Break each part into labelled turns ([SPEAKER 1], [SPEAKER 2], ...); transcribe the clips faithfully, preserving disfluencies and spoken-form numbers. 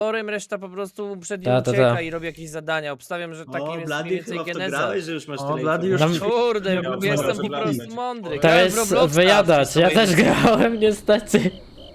[SPEAKER 1] Orem, reszta po prostu przed nim
[SPEAKER 2] Ta, ta,
[SPEAKER 1] ucieka
[SPEAKER 2] ta.
[SPEAKER 1] i robi jakieś zadania. Obstawiam, że takim
[SPEAKER 3] O,
[SPEAKER 1] jest mniej
[SPEAKER 3] Blady,
[SPEAKER 1] więcej
[SPEAKER 3] chyba w to
[SPEAKER 1] geneza.
[SPEAKER 3] grałeś, że już masz
[SPEAKER 4] O,
[SPEAKER 3] tyle
[SPEAKER 4] Blady
[SPEAKER 3] informacji.
[SPEAKER 4] już-
[SPEAKER 1] Kurde,
[SPEAKER 4] Nie,
[SPEAKER 1] bo
[SPEAKER 4] nie,
[SPEAKER 1] jestem
[SPEAKER 4] nie,
[SPEAKER 1] po
[SPEAKER 4] nie,
[SPEAKER 1] prostu
[SPEAKER 4] nie.
[SPEAKER 1] mądry.
[SPEAKER 2] To
[SPEAKER 1] Grałem w
[SPEAKER 2] jest
[SPEAKER 1] Robloxa
[SPEAKER 2] wyjadacz,
[SPEAKER 1] przez
[SPEAKER 2] ja
[SPEAKER 1] całe
[SPEAKER 2] też
[SPEAKER 1] życie.
[SPEAKER 2] grałem niestety.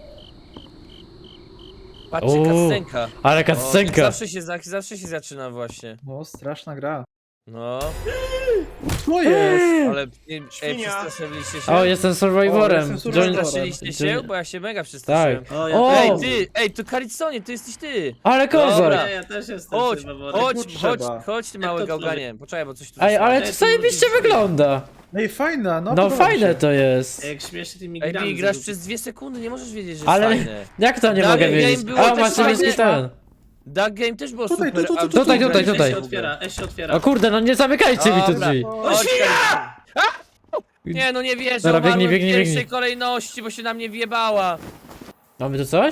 [SPEAKER 1] Patrzcie,
[SPEAKER 2] Uuu,
[SPEAKER 1] kascenka.
[SPEAKER 2] Ale
[SPEAKER 1] O, tak
[SPEAKER 2] kascenka.
[SPEAKER 1] zawsze się, za- zawsze się zaczyna właśnie.
[SPEAKER 4] No, straszna gra.
[SPEAKER 1] No,
[SPEAKER 4] Co jest?
[SPEAKER 1] ale nie, ej,
[SPEAKER 5] Świnia.
[SPEAKER 1] przestraszyliście się?
[SPEAKER 2] O, jestem
[SPEAKER 4] O,
[SPEAKER 2] survivorem.
[SPEAKER 4] jestem
[SPEAKER 2] Join-
[SPEAKER 4] survivorem.
[SPEAKER 1] Przestraszyliście się?
[SPEAKER 2] Join-
[SPEAKER 1] Bo ja się mega przestraszyłem.
[SPEAKER 2] Tak.
[SPEAKER 3] O, ja
[SPEAKER 2] O!
[SPEAKER 3] też
[SPEAKER 1] Ej,
[SPEAKER 3] jestem.
[SPEAKER 1] ty, ej, to Kariconie, to jesteś ty.
[SPEAKER 2] Ale
[SPEAKER 1] Dobra.
[SPEAKER 2] kozak.
[SPEAKER 3] Nie, ja też jestem
[SPEAKER 1] Chodź,
[SPEAKER 3] survivorem.
[SPEAKER 1] chodź,
[SPEAKER 4] Tu
[SPEAKER 1] chodź,
[SPEAKER 4] trzeba.
[SPEAKER 1] chodź ty
[SPEAKER 3] Jak
[SPEAKER 1] mały
[SPEAKER 3] to
[SPEAKER 1] gałganie. Poczekaj, bo coś tu
[SPEAKER 2] Ej,
[SPEAKER 1] zostało.
[SPEAKER 2] ale
[SPEAKER 3] Ej,
[SPEAKER 2] to
[SPEAKER 3] to
[SPEAKER 2] zajebiście
[SPEAKER 3] lubisz.
[SPEAKER 2] wygląda.
[SPEAKER 4] No i fajna, no
[SPEAKER 2] No
[SPEAKER 4] podoba mi
[SPEAKER 2] fajne
[SPEAKER 4] się.
[SPEAKER 2] to jest.
[SPEAKER 3] Ej, jak śmiesznie tymi
[SPEAKER 1] Ej,
[SPEAKER 3] grami
[SPEAKER 1] Bi, grasz
[SPEAKER 3] zrobił.
[SPEAKER 1] przez dwie sekundy, nie możesz wiedzieć, że
[SPEAKER 2] Ale-
[SPEAKER 1] jest fajne.
[SPEAKER 2] Jak to nie
[SPEAKER 1] Dalej
[SPEAKER 2] mogę
[SPEAKER 1] game
[SPEAKER 2] wiedzieć?
[SPEAKER 1] było
[SPEAKER 2] A,
[SPEAKER 1] też
[SPEAKER 2] masz
[SPEAKER 1] fajne.
[SPEAKER 2] niebieski ten.
[SPEAKER 1] Duck Game też było
[SPEAKER 4] Tutaj,
[SPEAKER 1] super.
[SPEAKER 4] tu, tu,
[SPEAKER 1] a
[SPEAKER 4] tu,
[SPEAKER 1] w
[SPEAKER 2] tutaj,
[SPEAKER 1] ogóle
[SPEAKER 2] tutaj,
[SPEAKER 1] nie
[SPEAKER 2] tutaj.
[SPEAKER 3] E się
[SPEAKER 1] się
[SPEAKER 3] otwiera, E się otwiera.
[SPEAKER 2] O kurde, no nie zamykajcie mi tu
[SPEAKER 1] Dobra.
[SPEAKER 2] drzwi.
[SPEAKER 3] O,
[SPEAKER 1] Chodź,
[SPEAKER 3] świnia!
[SPEAKER 1] Nie, no nie wierzę,
[SPEAKER 2] Dobra,
[SPEAKER 1] umarłem
[SPEAKER 2] biegnij, biegnij,
[SPEAKER 1] w pierwszej
[SPEAKER 2] biegnij.
[SPEAKER 1] kolejności, bo się na mnie wjebała.
[SPEAKER 2] Mamy tu coś?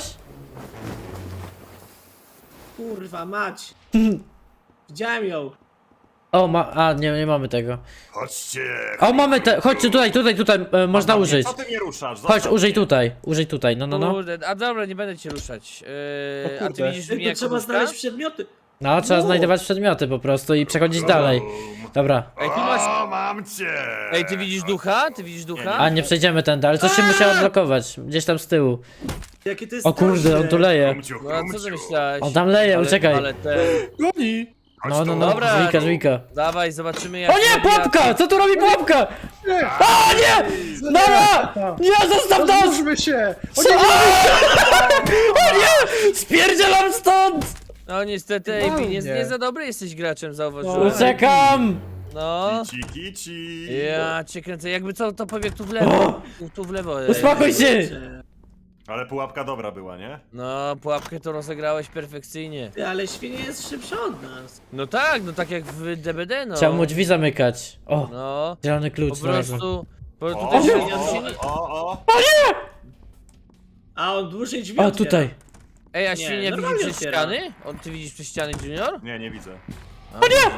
[SPEAKER 3] Kurwa, mać. Widziałem ją.
[SPEAKER 2] O, ma... A, nie, nie mamy tego.
[SPEAKER 5] Chodźcie!
[SPEAKER 2] O, mamy te... Chodźcie tutaj, tutaj, tutaj, e, można
[SPEAKER 5] Dobra,
[SPEAKER 2] użyć.
[SPEAKER 5] Co ty mnie ruszasz?
[SPEAKER 2] Chodź,
[SPEAKER 5] Zostaw
[SPEAKER 2] użyj
[SPEAKER 5] mnie.
[SPEAKER 2] tutaj, użyj tutaj, no, no, no.
[SPEAKER 1] Kurde, a dobra, nie będę cię ruszać. Yy,
[SPEAKER 4] O
[SPEAKER 1] a ty
[SPEAKER 4] kurde.
[SPEAKER 1] widzisz
[SPEAKER 3] Ej,
[SPEAKER 1] mnie
[SPEAKER 3] to
[SPEAKER 1] jako
[SPEAKER 3] trzeba
[SPEAKER 1] duszka?
[SPEAKER 3] znaleźć przedmioty.
[SPEAKER 2] No, trzeba
[SPEAKER 3] No.
[SPEAKER 2] znajdować przedmioty po prostu i przechodzić dalej. Dobra.
[SPEAKER 1] Ej, tu masz...
[SPEAKER 5] O, mam cię!
[SPEAKER 1] Ej, ty widzisz ducha? Ty widzisz ducha?
[SPEAKER 2] A, nie przejdziemy tędy, ale coś się musiało odblokować. Gdzieś tam z tyłu.
[SPEAKER 3] Jakie to jest
[SPEAKER 2] O kurde, on tu leje.
[SPEAKER 5] Krumciu,
[SPEAKER 1] No a co ty
[SPEAKER 5] krumciu.
[SPEAKER 1] myślałeś?
[SPEAKER 2] On tam leje,
[SPEAKER 1] ale,
[SPEAKER 2] uciekaj.
[SPEAKER 1] Ale ten...
[SPEAKER 4] Goni!
[SPEAKER 5] Chodź
[SPEAKER 2] No, no,
[SPEAKER 5] tu.
[SPEAKER 2] no,
[SPEAKER 1] Dobra.
[SPEAKER 2] żwika, żwika.
[SPEAKER 1] Dawaj, zobaczymy jak...
[SPEAKER 2] O nie, pułapka! Co tu robi pułapka?
[SPEAKER 4] Nie!
[SPEAKER 2] O nie! Dobra! Nie, zostaw nas!
[SPEAKER 4] Rozłóżmy się! O
[SPEAKER 2] Co?
[SPEAKER 4] nie,
[SPEAKER 2] O nie! Spierdzielam stąd!
[SPEAKER 1] No niestety, Ej, Bi, nie,
[SPEAKER 4] Nie.
[SPEAKER 1] nie za dobry jesteś graczem, zauważyłem.
[SPEAKER 2] Uciekam!
[SPEAKER 1] No...
[SPEAKER 5] Kici, kici.
[SPEAKER 1] Ja cię kręcę, jakby co, to pobiegł tu w lewo. Tu, tu w lewo. ej.
[SPEAKER 2] Uspokój się!
[SPEAKER 5] Ale pułapka dobra była, nie?
[SPEAKER 1] No, pułapkę to rozegrałeś perfekcyjnie.
[SPEAKER 3] Ty, ale świnia jest szybsza od nas.
[SPEAKER 1] No tak, no tak jak w D B D, no.
[SPEAKER 2] Chciałem mu drzwi zamykać. O,
[SPEAKER 1] No,
[SPEAKER 2] zielony
[SPEAKER 1] po
[SPEAKER 2] klucz znalazłem.
[SPEAKER 1] prostu... Po prostu
[SPEAKER 5] O,
[SPEAKER 1] też się,
[SPEAKER 3] o,
[SPEAKER 1] się nie...
[SPEAKER 5] o, o.
[SPEAKER 3] A on dłużej drzwi
[SPEAKER 2] O,
[SPEAKER 3] otwiera.
[SPEAKER 2] tutaj.
[SPEAKER 1] Ej, a
[SPEAKER 3] Nie,
[SPEAKER 1] świnia widzi
[SPEAKER 3] normalnie
[SPEAKER 1] przez
[SPEAKER 3] otwiera.
[SPEAKER 1] ściany? On, ty widzisz przez ściany, Junior?
[SPEAKER 5] Nie, nie widzę.
[SPEAKER 1] O nie!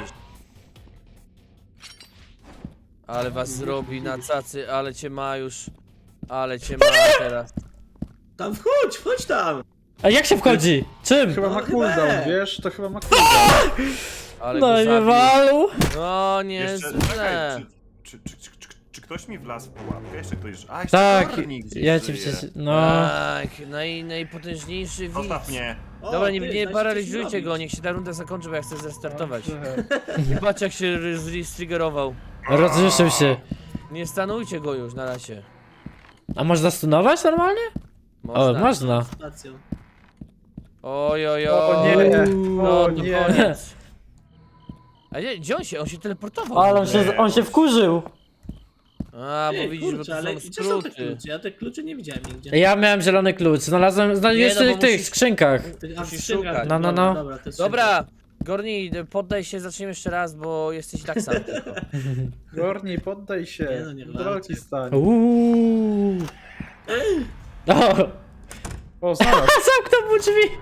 [SPEAKER 1] Ale was zrobi na cacy, ale cię ma już. Ale cię ma teraz.
[SPEAKER 3] Tam wchodź, wchodź tam.
[SPEAKER 2] A jak się wchodzi? Czym?
[SPEAKER 4] Chyba ma
[SPEAKER 3] No,
[SPEAKER 4] cooldown,
[SPEAKER 3] chyba.
[SPEAKER 4] wiesz? To chyba ma cooldown.
[SPEAKER 1] Ale
[SPEAKER 2] No
[SPEAKER 1] go
[SPEAKER 2] i
[SPEAKER 1] zabił.
[SPEAKER 2] wywalu.
[SPEAKER 1] No nie
[SPEAKER 5] Jeszcze,
[SPEAKER 1] źle.
[SPEAKER 5] czekaj, czy, czy, czy, czy, czy ktoś mi wlazł w pułapkę? Jeszcze ktoś... A, jeszcze
[SPEAKER 2] Tak,
[SPEAKER 5] Kornik gdzieś
[SPEAKER 2] ja ci
[SPEAKER 5] żyje.
[SPEAKER 2] przecież... No.
[SPEAKER 1] Tak, naj, najpotężniejszy widz.
[SPEAKER 5] Zostaw mnie.
[SPEAKER 3] O,
[SPEAKER 1] Dobra, nie,
[SPEAKER 3] ty,
[SPEAKER 1] nie
[SPEAKER 3] znaczy,
[SPEAKER 1] paraliżujcie
[SPEAKER 3] coś
[SPEAKER 1] go,
[SPEAKER 3] robić.
[SPEAKER 1] niech się ta runda zakończy, bo ja chcę zrestartować.
[SPEAKER 4] Trochę.
[SPEAKER 1] I patrz jak się striggerował.
[SPEAKER 2] Rozrzeszył się.
[SPEAKER 1] Nie stanujcie go już na razie.
[SPEAKER 2] A można stunować normalnie? O, można.
[SPEAKER 3] Stacją.
[SPEAKER 1] Oj, oj, oj.
[SPEAKER 4] O nie,
[SPEAKER 1] No,
[SPEAKER 4] o
[SPEAKER 1] to
[SPEAKER 4] nie.
[SPEAKER 1] koniec. A nie, gdzie on się? On się teleportował.
[SPEAKER 2] Ale on się, on się wkurzył.
[SPEAKER 1] A, bo
[SPEAKER 3] Ej,
[SPEAKER 1] widzisz,
[SPEAKER 3] kurczę,
[SPEAKER 1] bo
[SPEAKER 3] ale
[SPEAKER 1] to są
[SPEAKER 3] gdzie są te
[SPEAKER 1] skróty.
[SPEAKER 3] klucze? Ja te klucze nie widziałem nigdzie.
[SPEAKER 2] Ja miałem zielony klucz, znalazłem, znalazłem
[SPEAKER 1] Nie, no,
[SPEAKER 2] jeszcze
[SPEAKER 1] bo
[SPEAKER 2] w tych
[SPEAKER 1] musisz-
[SPEAKER 2] skrzynkach.
[SPEAKER 3] Ty- a,
[SPEAKER 1] musisz
[SPEAKER 3] skrzynka.
[SPEAKER 1] szukać.
[SPEAKER 2] No, no,
[SPEAKER 3] Dobra,
[SPEAKER 2] no.
[SPEAKER 3] Dobra, to jest
[SPEAKER 1] Dobra, Gorni, poddaj się, zaczniemy jeszcze raz, bo jesteś tak sam tylko.
[SPEAKER 4] Gorni, poddaj
[SPEAKER 3] Nie
[SPEAKER 4] się.
[SPEAKER 3] no, nie
[SPEAKER 4] Do walki
[SPEAKER 3] walczy.
[SPEAKER 4] stań.
[SPEAKER 2] Uuuu. O,
[SPEAKER 4] O, znalazł.
[SPEAKER 2] zamknął mu drzwi.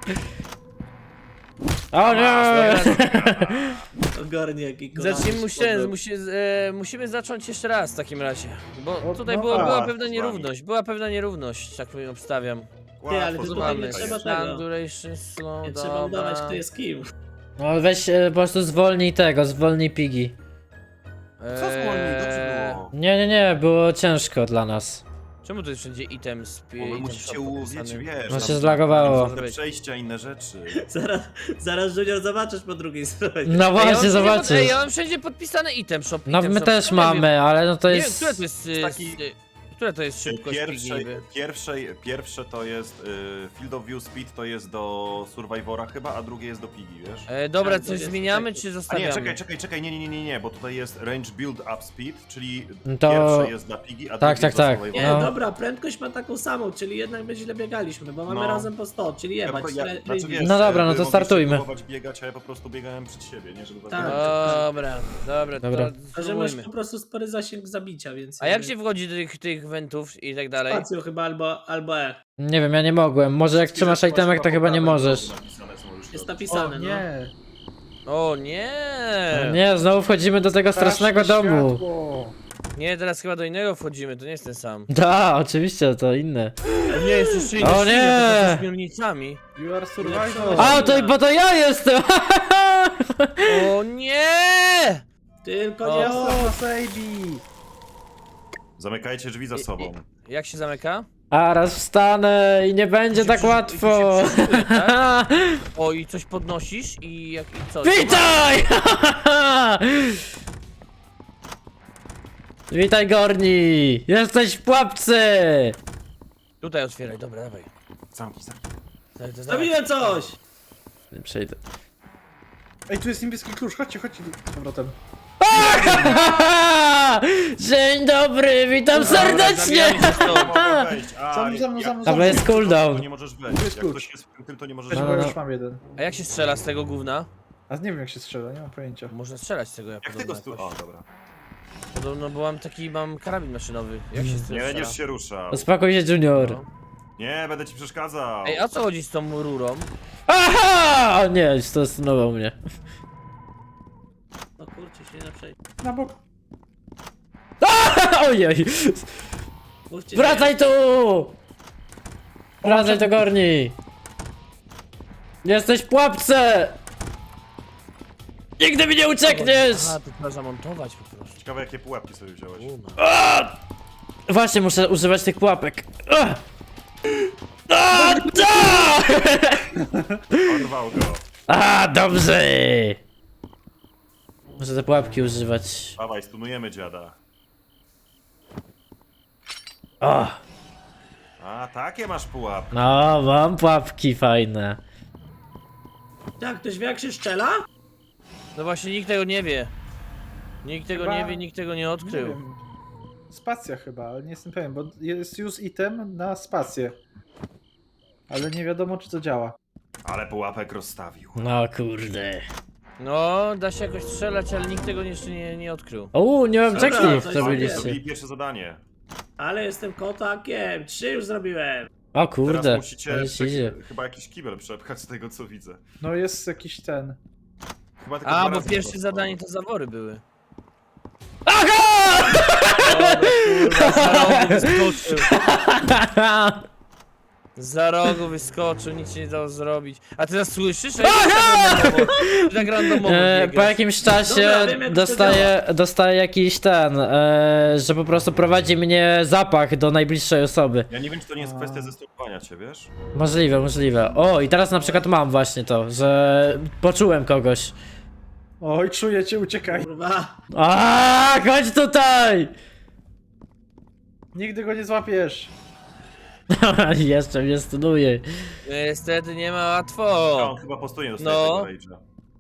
[SPEAKER 2] O nie.
[SPEAKER 3] Ogarnie jaki kochany
[SPEAKER 1] Zacznijmy, musimy,
[SPEAKER 3] spodem.
[SPEAKER 1] musi, e, musimy zacząć jeszcze raz w takim razie. Bo
[SPEAKER 4] O,
[SPEAKER 1] tutaj
[SPEAKER 4] no
[SPEAKER 1] było,
[SPEAKER 4] tak,
[SPEAKER 1] była
[SPEAKER 5] z
[SPEAKER 1] pewna
[SPEAKER 5] wami.
[SPEAKER 1] nierówność, była pewna nierówność, tak powiem, obstawiam.
[SPEAKER 3] Ty, ale ty
[SPEAKER 5] Łatwo
[SPEAKER 3] tutaj
[SPEAKER 5] zrobić,
[SPEAKER 3] nie
[SPEAKER 5] to
[SPEAKER 3] trzeba
[SPEAKER 5] jest.
[SPEAKER 3] tego.
[SPEAKER 1] Stand duration slow,
[SPEAKER 3] Nie trzeba
[SPEAKER 1] dobra.
[SPEAKER 3] udawać, kto jest kim.
[SPEAKER 2] No weź e, po prostu zwolnij tego, zwolnij pigi.
[SPEAKER 5] Co zwolnij? Dobrze było.
[SPEAKER 2] Nie, nie, nie, było ciężko dla nas.
[SPEAKER 1] Czemu tu jest wszędzie item z
[SPEAKER 5] Bo wy musicie uwieć, wiesz...
[SPEAKER 2] No
[SPEAKER 5] tam
[SPEAKER 2] się zlagowało.
[SPEAKER 5] Te przejścia, inne rzeczy.
[SPEAKER 3] Zaraz, zaraz Junior zobaczysz po drugiej stronie.
[SPEAKER 2] No właśnie, zobaczysz.
[SPEAKER 1] Ej, ja mam wszędzie podpisane item shop.
[SPEAKER 2] No
[SPEAKER 1] item
[SPEAKER 2] my
[SPEAKER 1] shop.
[SPEAKER 2] też
[SPEAKER 1] Nie wiem,
[SPEAKER 2] mamy, ale no to
[SPEAKER 1] Nie wiem,
[SPEAKER 2] jest...
[SPEAKER 1] które to jest... y,
[SPEAKER 5] taki-
[SPEAKER 1] y, Które to jest szybkość
[SPEAKER 5] Pierwsze,
[SPEAKER 1] pigi?
[SPEAKER 5] pierwsze, pierwsze to jest y, Field of View Speed, to jest do Survivora chyba, a drugie jest do Pigi, wiesz?
[SPEAKER 1] E, dobra,
[SPEAKER 3] Tak, to
[SPEAKER 1] coś
[SPEAKER 3] jest
[SPEAKER 1] zmieniamy
[SPEAKER 3] taki-
[SPEAKER 1] czy
[SPEAKER 5] A
[SPEAKER 1] zostawiamy?
[SPEAKER 5] nie, czekaj, czekaj, czekaj, nie, nie, nie, nie, nie, bo tutaj jest Range Build Up Speed, czyli
[SPEAKER 2] No to-
[SPEAKER 5] pierwsze jest dla Pigi, a
[SPEAKER 2] Tak,
[SPEAKER 5] drugie
[SPEAKER 2] tak,
[SPEAKER 5] jest dla
[SPEAKER 2] tak.
[SPEAKER 5] Survivora.
[SPEAKER 3] Nie,
[SPEAKER 2] No.
[SPEAKER 3] dobra, prędkość ma taką samą, czyli jednak my źle biegaliśmy, bo mamy
[SPEAKER 5] No.
[SPEAKER 3] razem po sto, czyli
[SPEAKER 5] Ja,
[SPEAKER 3] jebać.
[SPEAKER 5] ja,
[SPEAKER 3] re-
[SPEAKER 5] znaczy, wiesz,
[SPEAKER 2] No dobra, no
[SPEAKER 5] wy
[SPEAKER 2] to
[SPEAKER 5] mogliście
[SPEAKER 2] startujmy.
[SPEAKER 5] próbować biegać, a ja po prostu biegałem przed siebie, nie, żeby was
[SPEAKER 3] Tak.
[SPEAKER 5] dogonić.
[SPEAKER 1] Dobra, dobra,
[SPEAKER 2] Dobra.
[SPEAKER 1] to
[SPEAKER 3] Że masz
[SPEAKER 1] spróbujmy.
[SPEAKER 3] po prostu spory zasięg zabicia, więc...
[SPEAKER 1] A jak się wchodzi do tych, tych wentów i tak dalej?
[SPEAKER 3] Spacją chyba albo, albo E.
[SPEAKER 2] Nie wiem, ja nie mogłem. Może jak trzymasz
[SPEAKER 5] Masz
[SPEAKER 2] itemek, to chyba nie
[SPEAKER 5] po prawej
[SPEAKER 2] możesz.
[SPEAKER 5] stronie napisane, co możesz
[SPEAKER 3] Jest
[SPEAKER 5] robić.
[SPEAKER 4] O,
[SPEAKER 3] napisane, no.
[SPEAKER 4] nie.
[SPEAKER 1] O nie!
[SPEAKER 2] Nie, znowu wchodzimy do tego strasznego
[SPEAKER 4] Straszne
[SPEAKER 2] domu.
[SPEAKER 4] światło.
[SPEAKER 1] Nie, teraz chyba do innego wchodzimy, to nie jest ten sam.
[SPEAKER 2] Da, oczywiście, to inne.
[SPEAKER 1] Nie, jest jeszcze inny
[SPEAKER 2] O
[SPEAKER 1] świnia,
[SPEAKER 2] nie!
[SPEAKER 1] to z śmiernicami.
[SPEAKER 4] You are survivor.
[SPEAKER 2] A, to, bo to ja jestem!
[SPEAKER 1] O nie!
[SPEAKER 3] Tylko
[SPEAKER 1] O.
[SPEAKER 3] nie
[SPEAKER 4] O,
[SPEAKER 3] o...
[SPEAKER 4] baby.
[SPEAKER 5] Zamykajcie drzwi za
[SPEAKER 1] I-
[SPEAKER 5] sobą.
[SPEAKER 1] Jak się zamyka?
[SPEAKER 2] A raz wstanę i nie będzie
[SPEAKER 1] I się
[SPEAKER 2] tak
[SPEAKER 1] przy-
[SPEAKER 2] łatwo.
[SPEAKER 1] i się przyszykuje, tak? O, i coś podnosisz i jak i co?
[SPEAKER 2] Witaj! Witaj, Gorni! Jesteś w pułapce!
[SPEAKER 1] Tutaj otwieraj, dobra, dawaj.
[SPEAKER 5] Zamknij, zamknij.
[SPEAKER 1] Dawaj, dawaj.
[SPEAKER 3] Zrobiłem coś!
[SPEAKER 2] Nie przejdę.
[SPEAKER 4] Ej, tu jest niebieski klucz, chodźcie, chodźcie z powrotem.
[SPEAKER 2] Dzień dobry, witam serdecznie!
[SPEAKER 1] zabijamy się stąd.
[SPEAKER 5] Mogę wejść. A,
[SPEAKER 4] Za mną, za mną,
[SPEAKER 5] jak
[SPEAKER 4] za mną,
[SPEAKER 5] ktoś
[SPEAKER 4] za
[SPEAKER 2] Dobra,
[SPEAKER 4] mną.
[SPEAKER 2] jest cooldown.
[SPEAKER 5] To nie możesz wejść.
[SPEAKER 4] jest
[SPEAKER 5] Jak
[SPEAKER 4] klucz.
[SPEAKER 5] ktoś jest w tym, to nie możesz
[SPEAKER 4] Weź,
[SPEAKER 2] No,
[SPEAKER 4] bo
[SPEAKER 2] no,
[SPEAKER 4] ja
[SPEAKER 2] no.
[SPEAKER 4] już mam jeden.
[SPEAKER 1] A jak się strzela z tego gówna?
[SPEAKER 4] A nie wiem jak się strzela, nie mam pojęcia.
[SPEAKER 1] Można strzelać z tego, ja
[SPEAKER 5] Jak
[SPEAKER 1] podobno
[SPEAKER 5] tego stu...
[SPEAKER 1] jakoś.
[SPEAKER 5] O, dobra.
[SPEAKER 1] Podobno, bo mam taki, mam karabin maszynowy. Jak się z tym
[SPEAKER 5] Nie
[SPEAKER 1] strzela?
[SPEAKER 5] będziesz się ruszał.
[SPEAKER 2] Uspokój się, Junior.
[SPEAKER 1] No.
[SPEAKER 5] Nie, będę ci przeszkadzał.
[SPEAKER 1] Ej, a co chodzi z tą rurą?
[SPEAKER 2] Aha! O nie, stosunował mnie.
[SPEAKER 3] No kurczę, się nie przejdzie.
[SPEAKER 4] Na bok.
[SPEAKER 2] Ojej!
[SPEAKER 3] Mówcie,
[SPEAKER 2] Wracaj tu! Wracaj do Gorni! Jesteś w pułapce! Nigdy mi nie uciekniesz!
[SPEAKER 1] A, to trzeba zamontować po prostu.
[SPEAKER 5] Ciekawe jakie pułapki sobie wziąłeś.
[SPEAKER 1] Uma.
[SPEAKER 2] Właśnie, muszę używać tych pułapek. Ah! A, da!
[SPEAKER 5] Porwał go.
[SPEAKER 2] A, dobrze! Muszę te pułapki używać.
[SPEAKER 5] Dawaj, stunujemy dziada.
[SPEAKER 2] O,
[SPEAKER 5] A, takie masz pułapki.
[SPEAKER 2] no, mam pułapki fajne.
[SPEAKER 3] Jak ktoś wie jak się strzela?
[SPEAKER 1] No właśnie, nikt tego nie wie. Nikt tego
[SPEAKER 4] Chyba-
[SPEAKER 1] nie wie, nikt tego nie
[SPEAKER 4] Nie
[SPEAKER 1] odkrył.
[SPEAKER 4] wiem. Spacja chyba, ale nie jestem pewien, bo jest use item na spację. Ale nie wiadomo czy to działa.
[SPEAKER 5] Ale pułapek rozstawił.
[SPEAKER 2] No kurde.
[SPEAKER 1] No, da się jakoś strzelać, ale nikt tego jeszcze nie, nie odkrył.
[SPEAKER 2] O, nie mam
[SPEAKER 3] Dobra,
[SPEAKER 2] checklist,
[SPEAKER 3] to
[SPEAKER 2] co
[SPEAKER 3] jest-
[SPEAKER 2] byliście.
[SPEAKER 5] Zrobili pierwsze zadanie.
[SPEAKER 3] Ale jestem kotakiem, trzy już zrobiłem.
[SPEAKER 2] O
[SPEAKER 5] Teraz
[SPEAKER 2] kurde,
[SPEAKER 5] musicie
[SPEAKER 2] ale się idzie.
[SPEAKER 5] prze- chyba jakiś kibel przepchać z tego co widzę.
[SPEAKER 4] No jest jakiś ten.
[SPEAKER 5] Chyba tylko
[SPEAKER 1] A,
[SPEAKER 5] dwa
[SPEAKER 1] bo
[SPEAKER 5] razy
[SPEAKER 1] pierwsze
[SPEAKER 5] to
[SPEAKER 1] zadanie to zawory były.
[SPEAKER 2] Aha!
[SPEAKER 1] Za rogu wyskoczył. Za rogu wyskoczył, nic się nie dało zrobić. A ty nas słyszysz? Ej, ty tak randomowo
[SPEAKER 2] E, po
[SPEAKER 1] biegasz.
[SPEAKER 2] jakimś czasie
[SPEAKER 3] Dobra, wiem, jak to
[SPEAKER 2] dostaję, dostaję jakiś ten, e, że po prostu prowadzi mnie zapach do najbliższej osoby.
[SPEAKER 5] Ja nie wiem czy to nie jest
[SPEAKER 4] A.
[SPEAKER 5] kwestia zestopowania cię, wiesz?
[SPEAKER 2] Możliwe, możliwe. O, i teraz na przykład mam właśnie to, że poczułem kogoś.
[SPEAKER 4] Oj, czuję cię, uciekaj.
[SPEAKER 3] Kurwa.
[SPEAKER 2] A, chodź tutaj!
[SPEAKER 4] Nigdy go nie złapiesz.
[SPEAKER 2] Jeszcze mnie stunuje.
[SPEAKER 1] Niestety nie ma
[SPEAKER 5] A
[SPEAKER 1] łatwo.
[SPEAKER 5] on chyba postuje dostaje
[SPEAKER 1] No.
[SPEAKER 5] tego rage'a.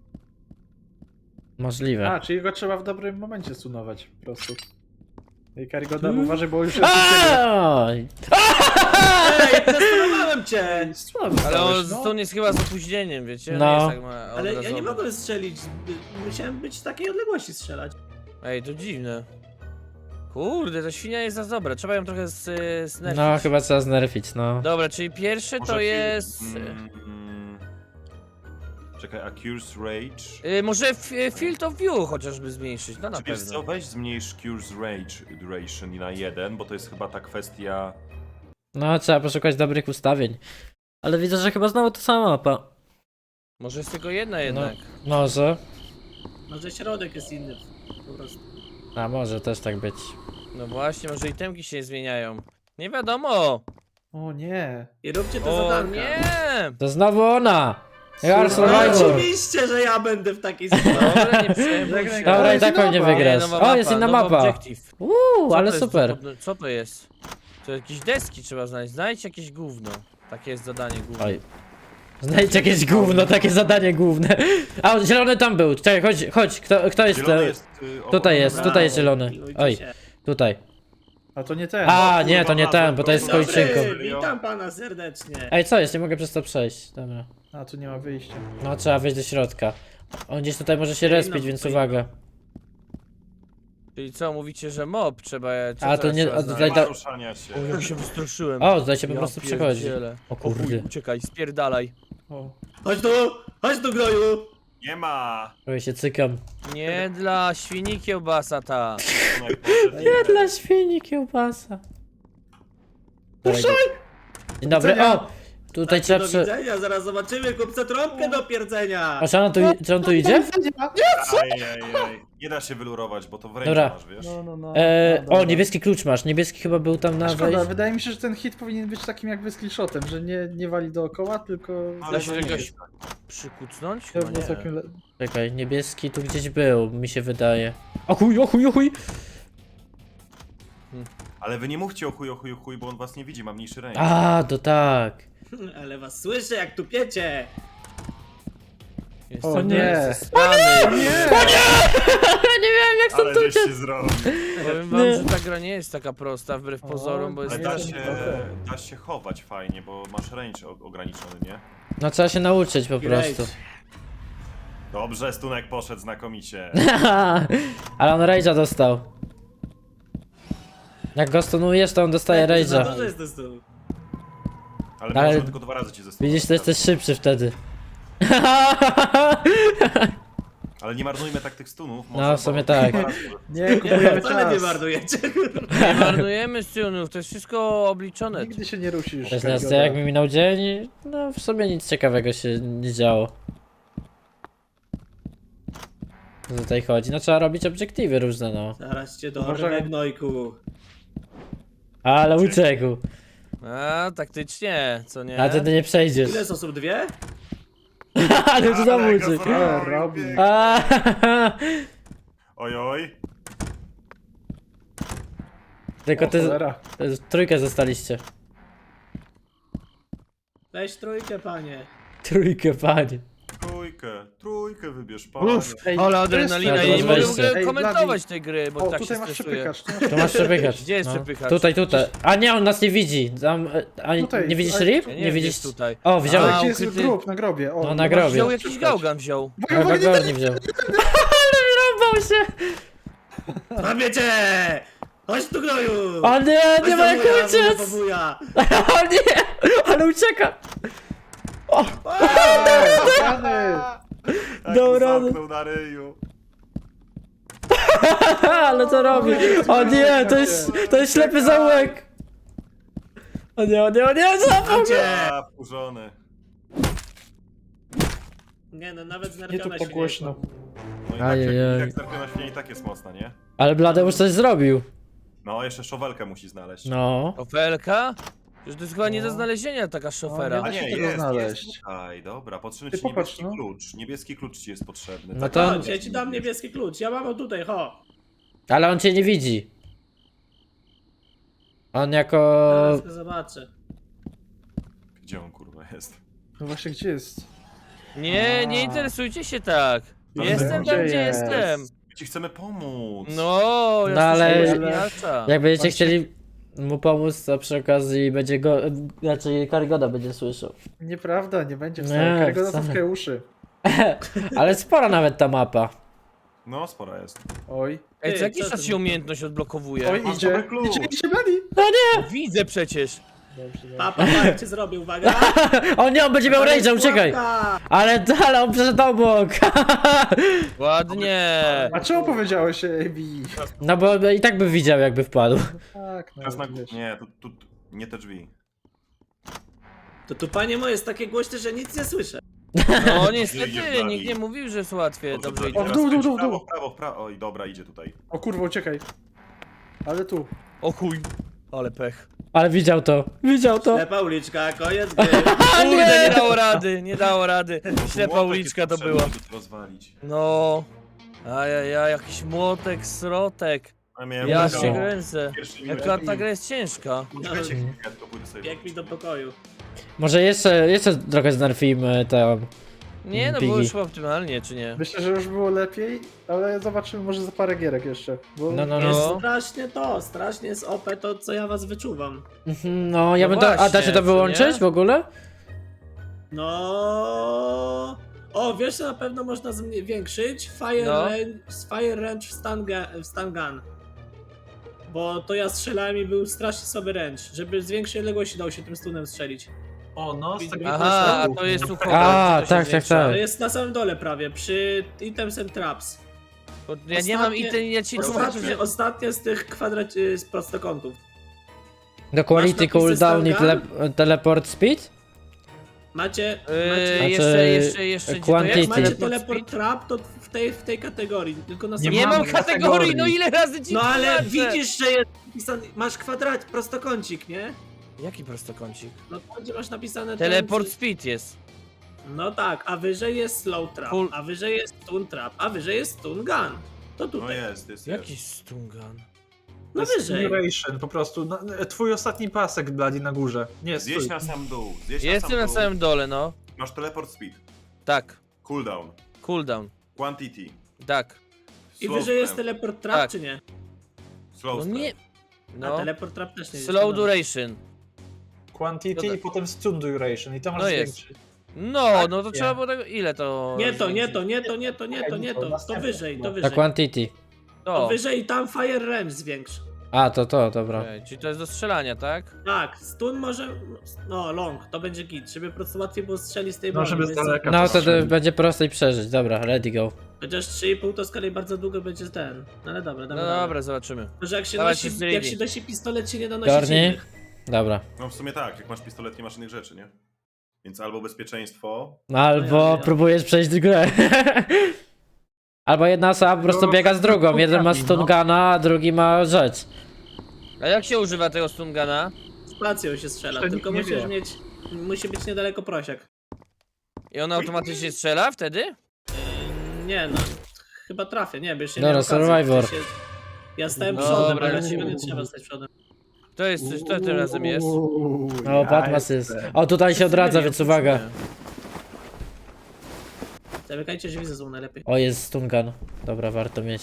[SPEAKER 2] Możliwe.
[SPEAKER 4] A, czyli go trzeba w dobrym momencie sunować po prostu. Ej, Karygoda, uważaj, bo już jest u ciebie.
[SPEAKER 2] Aaaa!
[SPEAKER 3] Ej, zastanawiałem cię!
[SPEAKER 4] Ej, słabo
[SPEAKER 1] Ale on
[SPEAKER 4] stałeś, no.
[SPEAKER 1] to jest chyba z opóźnieniem, wiecie?
[SPEAKER 2] No.
[SPEAKER 1] Nie jest tak ma
[SPEAKER 3] Ale ja nie
[SPEAKER 1] obrazowo.
[SPEAKER 3] mogłem strzelić. Musiałem być z takiej odległości strzelać.
[SPEAKER 1] Ej, to dziwne. Kurde, ta świnia jest za dobra, trzeba ją trochę z, znerfić.
[SPEAKER 2] No, chyba trzeba znerfić, no.
[SPEAKER 1] Dobra, czyli pierwsze
[SPEAKER 5] Może
[SPEAKER 1] to
[SPEAKER 5] fi-
[SPEAKER 1] jest...
[SPEAKER 5] Mm, mm, czekaj, Accuse Rage.
[SPEAKER 1] Y, może f- Field of View chociażby zmniejszyć, no na
[SPEAKER 5] Czy wiesz co,
[SPEAKER 1] pewno.
[SPEAKER 5] weź zmniejsz Cures Rage Duration na jeden, bo to jest chyba ta kwestia...
[SPEAKER 2] No, trzeba poszukać dobrych ustawień. Ale widzę, że chyba znowu to sama mapa.
[SPEAKER 1] Może jest tylko jedna jednak.
[SPEAKER 2] Może.
[SPEAKER 3] Może środek jest inny. Po prostu.
[SPEAKER 2] A może też tak być.
[SPEAKER 1] No właśnie, może itemki się zmieniają. Nie wiadomo!
[SPEAKER 4] O nie.
[SPEAKER 3] I róbcie te
[SPEAKER 1] O
[SPEAKER 3] zadanka.
[SPEAKER 1] nie!
[SPEAKER 2] To znowu ona! You are
[SPEAKER 3] No
[SPEAKER 2] survivor!
[SPEAKER 3] oczywiście, że ja będę w takiej sytuacji.
[SPEAKER 1] Dobra, nie przejmuj się.
[SPEAKER 2] Dobra, i
[SPEAKER 4] jest
[SPEAKER 2] tak pewnie
[SPEAKER 4] nowa.
[SPEAKER 2] wygrasz.
[SPEAKER 1] nowa
[SPEAKER 2] O, jest inna
[SPEAKER 1] nowy
[SPEAKER 2] mapa!
[SPEAKER 1] Objective.
[SPEAKER 2] Uuu,
[SPEAKER 1] Co
[SPEAKER 2] ale
[SPEAKER 1] to jest
[SPEAKER 2] super.
[SPEAKER 1] za pod- Co to jest? To jakieś deski trzeba znaleźć. Znajdź jakieś gówno. Takie jest zadanie główne.
[SPEAKER 2] Oj. Znajdź jakieś gówno, takie zadanie główne. A, on zielony tam był. Czekaj, chodź, chodź, kto, kto jest?
[SPEAKER 5] Zielony
[SPEAKER 2] te-
[SPEAKER 5] jest... y, obok-
[SPEAKER 2] Tutaj jest,
[SPEAKER 3] Brawo,
[SPEAKER 2] tutaj jest zielony.
[SPEAKER 3] miłujcie
[SPEAKER 2] Oj,
[SPEAKER 3] się.
[SPEAKER 2] tutaj.
[SPEAKER 4] A to nie ten.
[SPEAKER 2] A, nie, to nie ten, bo to jest z
[SPEAKER 3] Dobry,
[SPEAKER 2] kończynką.
[SPEAKER 3] witam pana serdecznie.
[SPEAKER 2] Ej, co jest? Nie mogę przez to przejść. Dobra.
[SPEAKER 4] A, tu nie ma wyjścia.
[SPEAKER 2] No, trzeba wejść do środka. On gdzieś tutaj może się
[SPEAKER 3] Ej, no,
[SPEAKER 2] respić, więc
[SPEAKER 3] tutaj-
[SPEAKER 2] uwaga.
[SPEAKER 1] Czyli co, mówicie, że mob trzeba... Co
[SPEAKER 2] A, to
[SPEAKER 1] teraz
[SPEAKER 2] nie-
[SPEAKER 1] trzeba
[SPEAKER 2] a
[SPEAKER 1] znaleźć?
[SPEAKER 2] tutaj
[SPEAKER 5] Nie ma
[SPEAKER 2] to-
[SPEAKER 5] ruszania się.
[SPEAKER 1] O, jak się wystraszyłem.
[SPEAKER 2] O, tutaj się po
[SPEAKER 1] Ja
[SPEAKER 2] prostu przechodzi.
[SPEAKER 1] pierdzielę.
[SPEAKER 2] O
[SPEAKER 1] O chuj,
[SPEAKER 2] kurde.
[SPEAKER 1] uciekaj, spierdalaj.
[SPEAKER 4] O.
[SPEAKER 3] Chodź tu, chodź tu gnoju.
[SPEAKER 5] Nie ma!
[SPEAKER 2] Prawie się cykam.
[SPEAKER 1] Nie dla świni kiełbasa ta.
[SPEAKER 5] Tunek poszedł i-
[SPEAKER 2] Nie dla świni kiełbasa. Puszczaj! Dzień dobry, o! Tutaj trzeba
[SPEAKER 3] Do
[SPEAKER 2] przy...
[SPEAKER 3] widzenia, zaraz zobaczymy kupce trąbkę do pierdzenia.
[SPEAKER 2] A czy on tu, czy on tu idzie?
[SPEAKER 5] Ajajaj. Nie da się wylurować, bo to w ręku
[SPEAKER 2] Dobra.
[SPEAKER 5] masz, wiesz?
[SPEAKER 4] No, no, no.
[SPEAKER 2] E,
[SPEAKER 4] no, dobra.
[SPEAKER 2] o, niebieski klucz masz. Niebieski chyba był tam na
[SPEAKER 4] Szkoda,
[SPEAKER 2] wejściu.
[SPEAKER 4] wydaje mi się, że ten hit powinien być takim jakby skillshotem, że nie, nie wali dookoła, tylko...
[SPEAKER 5] Ale
[SPEAKER 1] Da się
[SPEAKER 5] to nie
[SPEAKER 1] jakoś
[SPEAKER 5] jest tak.
[SPEAKER 1] przykucnąć?
[SPEAKER 4] To
[SPEAKER 1] Chyba
[SPEAKER 4] było
[SPEAKER 1] nie.
[SPEAKER 4] całkiem le...
[SPEAKER 2] Czekaj, niebieski tu gdzieś był, mi się wydaje. O chuj, o chuj, o chuj!
[SPEAKER 5] Ale wy nie mówcie o chuj, o chuj, o chuj, bo on was nie widzi, ma mniejszy ręk.
[SPEAKER 2] A, to tak.
[SPEAKER 3] Ale was słyszę, jak tu piecie.
[SPEAKER 1] Jestem
[SPEAKER 4] O nie.
[SPEAKER 1] zesrany.
[SPEAKER 2] nie wiem jak
[SPEAKER 5] Ale żeś się zrobił.
[SPEAKER 1] Powiem wam, że ta gra nie jest taka prosta wbrew
[SPEAKER 4] O,
[SPEAKER 1] pozorom, bo jest
[SPEAKER 5] Ale
[SPEAKER 4] nie,
[SPEAKER 5] da
[SPEAKER 4] nie,
[SPEAKER 5] się,
[SPEAKER 4] nie.
[SPEAKER 5] da się chować fajnie, bo masz range o- ograniczony, nie?
[SPEAKER 2] No trzeba się nauczyć po
[SPEAKER 3] Great.
[SPEAKER 2] prostu.
[SPEAKER 5] Dobrze, Stunek poszedł znakomicie.
[SPEAKER 2] Ale on rage'a dostał. Jak go stunujesz, to on dostaje
[SPEAKER 3] Za
[SPEAKER 2] rage'a.
[SPEAKER 3] dużo jest to stół.
[SPEAKER 5] Ale,
[SPEAKER 2] Ale-
[SPEAKER 5] może tylko dwa razy cię zestunować.
[SPEAKER 2] Widzisz, to jesteś szybszy wtedy.
[SPEAKER 5] Ale nie marnujmy tak tych stunów.
[SPEAKER 2] No,
[SPEAKER 5] może,
[SPEAKER 2] w sumie
[SPEAKER 5] bo-
[SPEAKER 2] tak.
[SPEAKER 5] dwa razy.
[SPEAKER 4] Nie, kupujemy
[SPEAKER 3] Wcale nie
[SPEAKER 4] czas.
[SPEAKER 3] marnujecie.
[SPEAKER 1] Nie marnujemy stunów, to jest wszystko obliczone.
[SPEAKER 4] Nigdy się nie rusisz.
[SPEAKER 2] To jest
[SPEAKER 4] Karygoda.
[SPEAKER 2] jak mi minął dzień, no w sumie nic ciekawego się nie działo. Co tutaj chodzi? No trzeba robić obiektywy różne, no.
[SPEAKER 3] Zaraz cię
[SPEAKER 4] Uważaj.
[SPEAKER 3] dorwę, gnojku.
[SPEAKER 2] Ale uciekł.
[SPEAKER 1] A, taktycznie, co nie?
[SPEAKER 2] A ty ty nie przejdziesz.
[SPEAKER 3] Ile osób? Dwie?
[SPEAKER 2] Ale to znowu
[SPEAKER 5] Ale go
[SPEAKER 2] uciekł.
[SPEAKER 5] zrobił,
[SPEAKER 4] Ale robi.
[SPEAKER 5] biegnie.
[SPEAKER 2] A,
[SPEAKER 5] Oj, oj.
[SPEAKER 2] Tylko
[SPEAKER 4] O,
[SPEAKER 2] ty
[SPEAKER 4] cholera.
[SPEAKER 2] w trójkę zostaliście.
[SPEAKER 3] Weź trójkę, panie.
[SPEAKER 2] Trójkę, panie.
[SPEAKER 5] Trójkę, trójkę wybierz, panie.
[SPEAKER 4] Uff, ej,
[SPEAKER 1] Ale
[SPEAKER 4] to
[SPEAKER 1] adrenalina,
[SPEAKER 2] jest-
[SPEAKER 1] ja nie
[SPEAKER 2] to
[SPEAKER 1] mogę
[SPEAKER 2] jest
[SPEAKER 1] w ogóle
[SPEAKER 4] wejście.
[SPEAKER 1] komentować
[SPEAKER 4] Ej,
[SPEAKER 1] tej gry, bo
[SPEAKER 4] O,
[SPEAKER 1] tak się
[SPEAKER 4] tutaj masz
[SPEAKER 1] stresuję.
[SPEAKER 4] przepychacz. tu masz
[SPEAKER 2] Tu masz przepychacz.
[SPEAKER 1] Gdzie jest
[SPEAKER 2] No.
[SPEAKER 1] przepychacz?
[SPEAKER 2] Tutaj, tutaj. A nie, on nas nie widzi. Tam, e, a
[SPEAKER 4] Tutaj,
[SPEAKER 2] nie widzisz
[SPEAKER 4] ale-
[SPEAKER 2] rip?
[SPEAKER 1] Ja nie
[SPEAKER 2] Nie
[SPEAKER 1] wiem,
[SPEAKER 2] widzisz?
[SPEAKER 1] jest tutaj.
[SPEAKER 2] O,
[SPEAKER 4] Ale
[SPEAKER 2] wziąłeś.
[SPEAKER 1] A,
[SPEAKER 4] gdzie jest
[SPEAKER 1] ukryty.
[SPEAKER 4] grób? Na grobie. O,
[SPEAKER 2] No, na
[SPEAKER 4] masz-
[SPEAKER 2] grobie.
[SPEAKER 1] Wziął jakiś gałgan wziął.
[SPEAKER 2] Chyba gorni wziął. Ale wyrąbał się!
[SPEAKER 3] Robię cię! Chodź tu, gnoju!
[SPEAKER 2] O nie,
[SPEAKER 3] Chodź
[SPEAKER 2] nie
[SPEAKER 3] do
[SPEAKER 2] ma jak
[SPEAKER 3] wuja,
[SPEAKER 2] uciec!
[SPEAKER 3] do wuja.
[SPEAKER 2] O nie! Ale ucieka!
[SPEAKER 4] Rany!
[SPEAKER 5] Jak
[SPEAKER 2] Dobra.
[SPEAKER 5] mu zamknął na ryju.
[SPEAKER 2] Ale co robi? O nie, to jest, to jest ślepy zaułek! O nie, o nie, o nie, złapał mnie!
[SPEAKER 3] Cię!
[SPEAKER 5] A, wkurzony.
[SPEAKER 3] Nie no, nawet
[SPEAKER 4] Nie
[SPEAKER 3] znerfiona
[SPEAKER 4] tu
[SPEAKER 3] się
[SPEAKER 4] po głośno.
[SPEAKER 5] No i tak,
[SPEAKER 2] Ajajaj.
[SPEAKER 5] jak, jak zarpiona świnia i tak jest mocna, nie?
[SPEAKER 2] Ale Bladeusz coś zrobił.
[SPEAKER 5] No, jeszcze szowelkę musi znaleźć.
[SPEAKER 2] No.
[SPEAKER 1] Szofelka? Przecież to jest chyba nie do
[SPEAKER 4] No.
[SPEAKER 1] znalezienia taka szofera.
[SPEAKER 4] nie
[SPEAKER 5] A
[SPEAKER 4] da
[SPEAKER 5] nie,
[SPEAKER 4] się tego
[SPEAKER 5] jest,
[SPEAKER 4] znaleźć.
[SPEAKER 5] jest tutaj, dobra, potrzebny
[SPEAKER 4] Ty
[SPEAKER 5] ci
[SPEAKER 4] popatrz,
[SPEAKER 5] niebieski
[SPEAKER 4] no.
[SPEAKER 5] klucz. Niebieski klucz ci jest potrzebny.
[SPEAKER 2] No
[SPEAKER 5] tak?
[SPEAKER 2] to-
[SPEAKER 3] Chodź, ja ci dam niebieski klucz. Ja mam go tutaj, ho.
[SPEAKER 2] Ale on cię nie widzi. On jako...
[SPEAKER 3] Zaraz go zobaczę.
[SPEAKER 5] Gdzie on kurwa jest?
[SPEAKER 4] No właśnie, gdzie jest?
[SPEAKER 1] Nie, nie
[SPEAKER 4] A.
[SPEAKER 1] interesujcie się tak.
[SPEAKER 5] No,
[SPEAKER 1] Jestem
[SPEAKER 4] gdzie
[SPEAKER 1] tam, gdzie
[SPEAKER 4] jest?
[SPEAKER 1] jestem.
[SPEAKER 5] My ci chcemy pomóc.
[SPEAKER 1] No, ja
[SPEAKER 2] No, ale-
[SPEAKER 1] ale...
[SPEAKER 2] Jak będziecie
[SPEAKER 4] On się-
[SPEAKER 2] chcieli mu pomóc, to przy okazji będzie go... Znaczy Karygoda będzie słyszał.
[SPEAKER 4] Nieprawda, nie będzie
[SPEAKER 2] Nie,
[SPEAKER 4] wcale. Karygoda
[SPEAKER 2] wcale.
[SPEAKER 4] zatkaj uszy.
[SPEAKER 2] Ale spora nawet ta mapa.
[SPEAKER 5] No, spora jest.
[SPEAKER 4] Oj.
[SPEAKER 1] Ej,
[SPEAKER 3] Ty,
[SPEAKER 1] co jakiś
[SPEAKER 3] co
[SPEAKER 1] czas
[SPEAKER 3] ty?
[SPEAKER 1] się umiejętność odblokowuje.
[SPEAKER 4] Oj,
[SPEAKER 5] masz
[SPEAKER 4] idzie.
[SPEAKER 5] dobry klucz.
[SPEAKER 4] Idzie, idzie, Bladi.
[SPEAKER 1] Widzę przecież.
[SPEAKER 4] Dobrze, dobrze.
[SPEAKER 3] Papa, jak cię zrobię, uwaga.
[SPEAKER 2] O nie, on będzie miał rage'a, uciekaj!
[SPEAKER 3] Pułapka.
[SPEAKER 2] Ale, ale on przeszedł obok!
[SPEAKER 1] Ładnie.
[SPEAKER 4] A czemu powiedziałeś A B?
[SPEAKER 2] No bo i tak by widział jakby wpadł.
[SPEAKER 4] Tak, no
[SPEAKER 5] Teraz na...
[SPEAKER 4] wiesz.
[SPEAKER 5] Nie, tu, tu, tu, nie te drzwi.
[SPEAKER 3] To tu, panie moje, jest takie głośne, że nic nie słyszę.
[SPEAKER 1] No
[SPEAKER 5] Idzie
[SPEAKER 1] niestety,
[SPEAKER 5] dalej.
[SPEAKER 1] nikt nie mówił, że jest łatwiej. Dobrze
[SPEAKER 5] Dobrze,
[SPEAKER 1] idzie.
[SPEAKER 4] O, w
[SPEAKER 5] teraz
[SPEAKER 4] dół, dół,
[SPEAKER 5] kręć
[SPEAKER 4] dół,
[SPEAKER 5] w prawo,
[SPEAKER 4] dół.
[SPEAKER 5] w prawo, w prawo. Oj, dobra, idzie tutaj.
[SPEAKER 4] O kurwa, uciekaj. Ale tu.
[SPEAKER 1] O chuj. Ale pech.
[SPEAKER 2] Ale widział to, widział to.
[SPEAKER 3] Ślepa uliczka, koniec gry.
[SPEAKER 1] Kurde, nie dało rady, nie dało rady. Ślepa
[SPEAKER 5] Młotek
[SPEAKER 1] uliczka
[SPEAKER 5] jest
[SPEAKER 1] to
[SPEAKER 5] potrzebny,
[SPEAKER 1] była.
[SPEAKER 5] żeby to rozwalić.
[SPEAKER 1] No. Ajajaj, jakiś młotek, srotek.
[SPEAKER 5] A miałem
[SPEAKER 1] Ja
[SPEAKER 5] taką-
[SPEAKER 1] się kręcę.
[SPEAKER 5] Pierwszy
[SPEAKER 1] Jaka
[SPEAKER 5] minut.
[SPEAKER 1] ta gra jest ciężka.
[SPEAKER 5] Czekajcie chwilkę, tylko pójdę sobie.
[SPEAKER 3] Bieg mi do pokoju.
[SPEAKER 2] Może jeszcze, jeszcze trochę znerfimy tam.
[SPEAKER 1] Nie, no
[SPEAKER 2] Piggy.
[SPEAKER 1] było już chyba optymalnie, czy nie?
[SPEAKER 4] Myślę, że już było lepiej, ale zobaczymy może za parę gierek jeszcze. Bo
[SPEAKER 2] No, no,
[SPEAKER 3] Jest
[SPEAKER 2] no.
[SPEAKER 3] strasznie to, strasznie jest O P to, co ja was wyczuwam.
[SPEAKER 2] Mhm, No, ja
[SPEAKER 1] No
[SPEAKER 2] bym to. A da
[SPEAKER 1] właśnie,
[SPEAKER 2] się to
[SPEAKER 1] co
[SPEAKER 2] wyłączyć
[SPEAKER 1] nie?
[SPEAKER 2] w ogóle?
[SPEAKER 3] No. O, wiesz, co na pewno można zwiększyć? Fire,
[SPEAKER 1] No.
[SPEAKER 3] range, fire range w stun, ga- w stun gun. Bo to ja strzelałem i był strasznie sobie range. Żeby z większej odległości dało się tym stunem strzelić.
[SPEAKER 4] O, no, z takiego
[SPEAKER 1] Aha, a to jest uchowane.
[SPEAKER 2] A,
[SPEAKER 1] to się
[SPEAKER 2] tak, tak,
[SPEAKER 1] zwiększa.
[SPEAKER 2] tak.
[SPEAKER 3] Ale jest na samym dole prawie, przy items and traps.
[SPEAKER 1] Bo ja nie mam i
[SPEAKER 3] Ostatnie-
[SPEAKER 1] ten, ja ci tłumaczę,
[SPEAKER 3] Ostatnie,
[SPEAKER 1] że...
[SPEAKER 3] ostatnie z tych kwadrat... y, z prostokątów.
[SPEAKER 2] Do quality
[SPEAKER 3] napisy
[SPEAKER 2] cooldown i tele
[SPEAKER 3] Stangan?
[SPEAKER 2] teleport speed?
[SPEAKER 3] Macie...
[SPEAKER 1] Yy,
[SPEAKER 3] macie
[SPEAKER 1] jeszcze, jeszcze, jeszcze, gdzie to
[SPEAKER 2] quantity.
[SPEAKER 1] jest?
[SPEAKER 3] jak macie
[SPEAKER 1] Teleport
[SPEAKER 3] teleport
[SPEAKER 1] speed?
[SPEAKER 3] trap, to w tej, w tej kategorii, tylko na
[SPEAKER 4] Nie
[SPEAKER 1] Nie
[SPEAKER 3] samym-
[SPEAKER 1] mam
[SPEAKER 4] mamy
[SPEAKER 1] kategorii,
[SPEAKER 4] kategorii.
[SPEAKER 1] no ile razy ci
[SPEAKER 3] No ale
[SPEAKER 1] tłumaczę?
[SPEAKER 3] widzisz, że jest napisany... Masz kwadrat, prostokącik, nie?
[SPEAKER 1] Jaki prostokącik?
[SPEAKER 3] No to gdzie masz napisane... ten,
[SPEAKER 1] Teleport
[SPEAKER 3] co-
[SPEAKER 1] speed jest.
[SPEAKER 3] No tak, a wyżej jest slow trap,
[SPEAKER 1] Full-
[SPEAKER 3] a wyżej jest stun trap, a wyżej jest stun gun. To
[SPEAKER 5] No
[SPEAKER 3] tutaj.
[SPEAKER 5] jest, jest,
[SPEAKER 1] Jaki
[SPEAKER 5] jest.
[SPEAKER 1] stungan?
[SPEAKER 3] No wyżej.
[SPEAKER 4] Duration, po prostu. No, twój ostatni pasek, Bladi, na górze. Nie,
[SPEAKER 5] Zjeść
[SPEAKER 4] stój.
[SPEAKER 5] na sam dół, zjeść
[SPEAKER 1] Jestem
[SPEAKER 5] na
[SPEAKER 1] na
[SPEAKER 5] sam dół.
[SPEAKER 1] samym dole, no.
[SPEAKER 5] Masz teleport speed,
[SPEAKER 1] Tak.
[SPEAKER 5] cooldown,
[SPEAKER 1] Cooldown.
[SPEAKER 5] quantity,
[SPEAKER 1] Tak.
[SPEAKER 3] I
[SPEAKER 5] slow
[SPEAKER 3] wyżej jest
[SPEAKER 5] strength,
[SPEAKER 3] teleport trap,
[SPEAKER 1] Tak.
[SPEAKER 3] czy nie?
[SPEAKER 5] slow
[SPEAKER 1] No
[SPEAKER 5] strength.
[SPEAKER 1] nie...
[SPEAKER 3] A
[SPEAKER 1] No.
[SPEAKER 3] teleport trap też nie jest.
[SPEAKER 1] Slow
[SPEAKER 3] no.
[SPEAKER 1] duration.
[SPEAKER 4] Quantity
[SPEAKER 1] No
[SPEAKER 4] i
[SPEAKER 1] tak.
[SPEAKER 4] potem stun duration. I to masz
[SPEAKER 1] No jest.
[SPEAKER 4] zwiększyć.
[SPEAKER 1] No,
[SPEAKER 4] Tak,
[SPEAKER 1] no to
[SPEAKER 4] nie.
[SPEAKER 1] trzeba było tego... Ile to...
[SPEAKER 3] Nie to, nie
[SPEAKER 1] zwiększyć?
[SPEAKER 3] to, nie to, nie to, nie to, nie to. To
[SPEAKER 4] Następne
[SPEAKER 3] wyżej, to
[SPEAKER 4] chyba.
[SPEAKER 2] Na
[SPEAKER 3] wyżej.
[SPEAKER 2] quantity.
[SPEAKER 3] To
[SPEAKER 1] To.
[SPEAKER 3] wyżej i tam fire range zwiększ.
[SPEAKER 2] A, to to, dobra.
[SPEAKER 1] Okej, czyli to jest do strzelania, tak?
[SPEAKER 3] Tak, stun może. No, long, to będzie git, żeby po prostu łatwiej było strzelić z tej
[SPEAKER 4] No,
[SPEAKER 3] broni.
[SPEAKER 4] żeby z
[SPEAKER 3] więc-
[SPEAKER 4] daleka.
[SPEAKER 2] No
[SPEAKER 4] to
[SPEAKER 2] wtedy będzie prościej przeżyć. Dobra, ready go.
[SPEAKER 3] Chociaż trzy i pół to z kolei bardzo długo będzie ten. No ale dobra,
[SPEAKER 1] No
[SPEAKER 3] dobra.
[SPEAKER 1] dobra, zobaczymy.
[SPEAKER 3] Może jak się,
[SPEAKER 1] Dawajcie,
[SPEAKER 3] nosi,
[SPEAKER 1] ready.
[SPEAKER 3] jak się nosi pistolet, się nie da nosić
[SPEAKER 2] Garni?
[SPEAKER 3] innych.
[SPEAKER 2] Dobra.
[SPEAKER 5] No w sumie tak, jak masz pistolet, nie masz innych rzeczy, nie? Więc albo bezpieczeństwo,
[SPEAKER 2] No albo
[SPEAKER 3] ja, ja.
[SPEAKER 2] próbujesz przejść grę. Albo jedna osoba po prostu
[SPEAKER 4] No,
[SPEAKER 2] biega z drugą. Jeden ma
[SPEAKER 4] no.
[SPEAKER 2] stungana, a drugi ma rzecz.
[SPEAKER 1] A jak się używa tego stungana?
[SPEAKER 3] Spacją się strzela,
[SPEAKER 4] Jeszcze
[SPEAKER 3] tylko
[SPEAKER 4] nikt nie
[SPEAKER 3] musisz
[SPEAKER 4] wie.
[SPEAKER 3] mieć. Musi być niedaleko prosiak.
[SPEAKER 1] I on automatycznie strzela wtedy?
[SPEAKER 3] Yy, Nie no, chyba trafię, nie, wiesz, się
[SPEAKER 2] Dobra,
[SPEAKER 3] nie okazji,
[SPEAKER 2] Survivor.
[SPEAKER 3] w sensie- Ja stałem
[SPEAKER 1] Dobra,
[SPEAKER 3] przodem, ale
[SPEAKER 1] lecimy.
[SPEAKER 3] ciebie nie trzeba stać przodem.
[SPEAKER 1] To jest, to tym razem jest.
[SPEAKER 4] Uuu,
[SPEAKER 2] O,
[SPEAKER 4] ja
[SPEAKER 2] Batmas jest.
[SPEAKER 4] jestem.
[SPEAKER 2] O, tutaj się odradza, więc uwaga.
[SPEAKER 3] Zamykajcie drzwi ze złą najlepiej.
[SPEAKER 2] O, jest stungan. Dobra, warto mieć.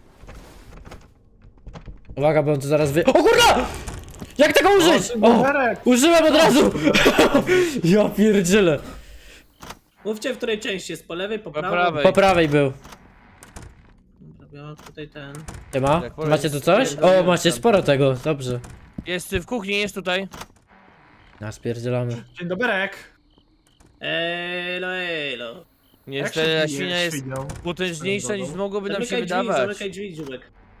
[SPEAKER 2] Uwaga, bo on tu zaraz wy... O kurwa! Jak tego użyć? O!
[SPEAKER 4] Berek!
[SPEAKER 2] Użyłem od razu! Ja pierdzielę.
[SPEAKER 3] Mówcie, w której części jest, po lewej, po
[SPEAKER 1] Po
[SPEAKER 3] prawej?
[SPEAKER 1] prawej.
[SPEAKER 2] Po prawej był.
[SPEAKER 3] Dobra, ja mam tutaj ten.
[SPEAKER 2] Nie ma?
[SPEAKER 1] Tak, powiem,
[SPEAKER 2] Macie tu coś? O,
[SPEAKER 1] spierdoliłem
[SPEAKER 2] macie
[SPEAKER 1] tam.
[SPEAKER 2] sporo tego, dobrze.
[SPEAKER 1] Jest w kuchni, jest tutaj.
[SPEAKER 2] A, spierdzielamy.
[SPEAKER 4] Dzień doberek!
[SPEAKER 3] Elo, elo.
[SPEAKER 1] Niestety ta świnia jest potężniejsza niż mogłoby nam się
[SPEAKER 3] Zamykaj drzwi,
[SPEAKER 1] wydawać.
[SPEAKER 3] zamykaj drzwi, dziubek.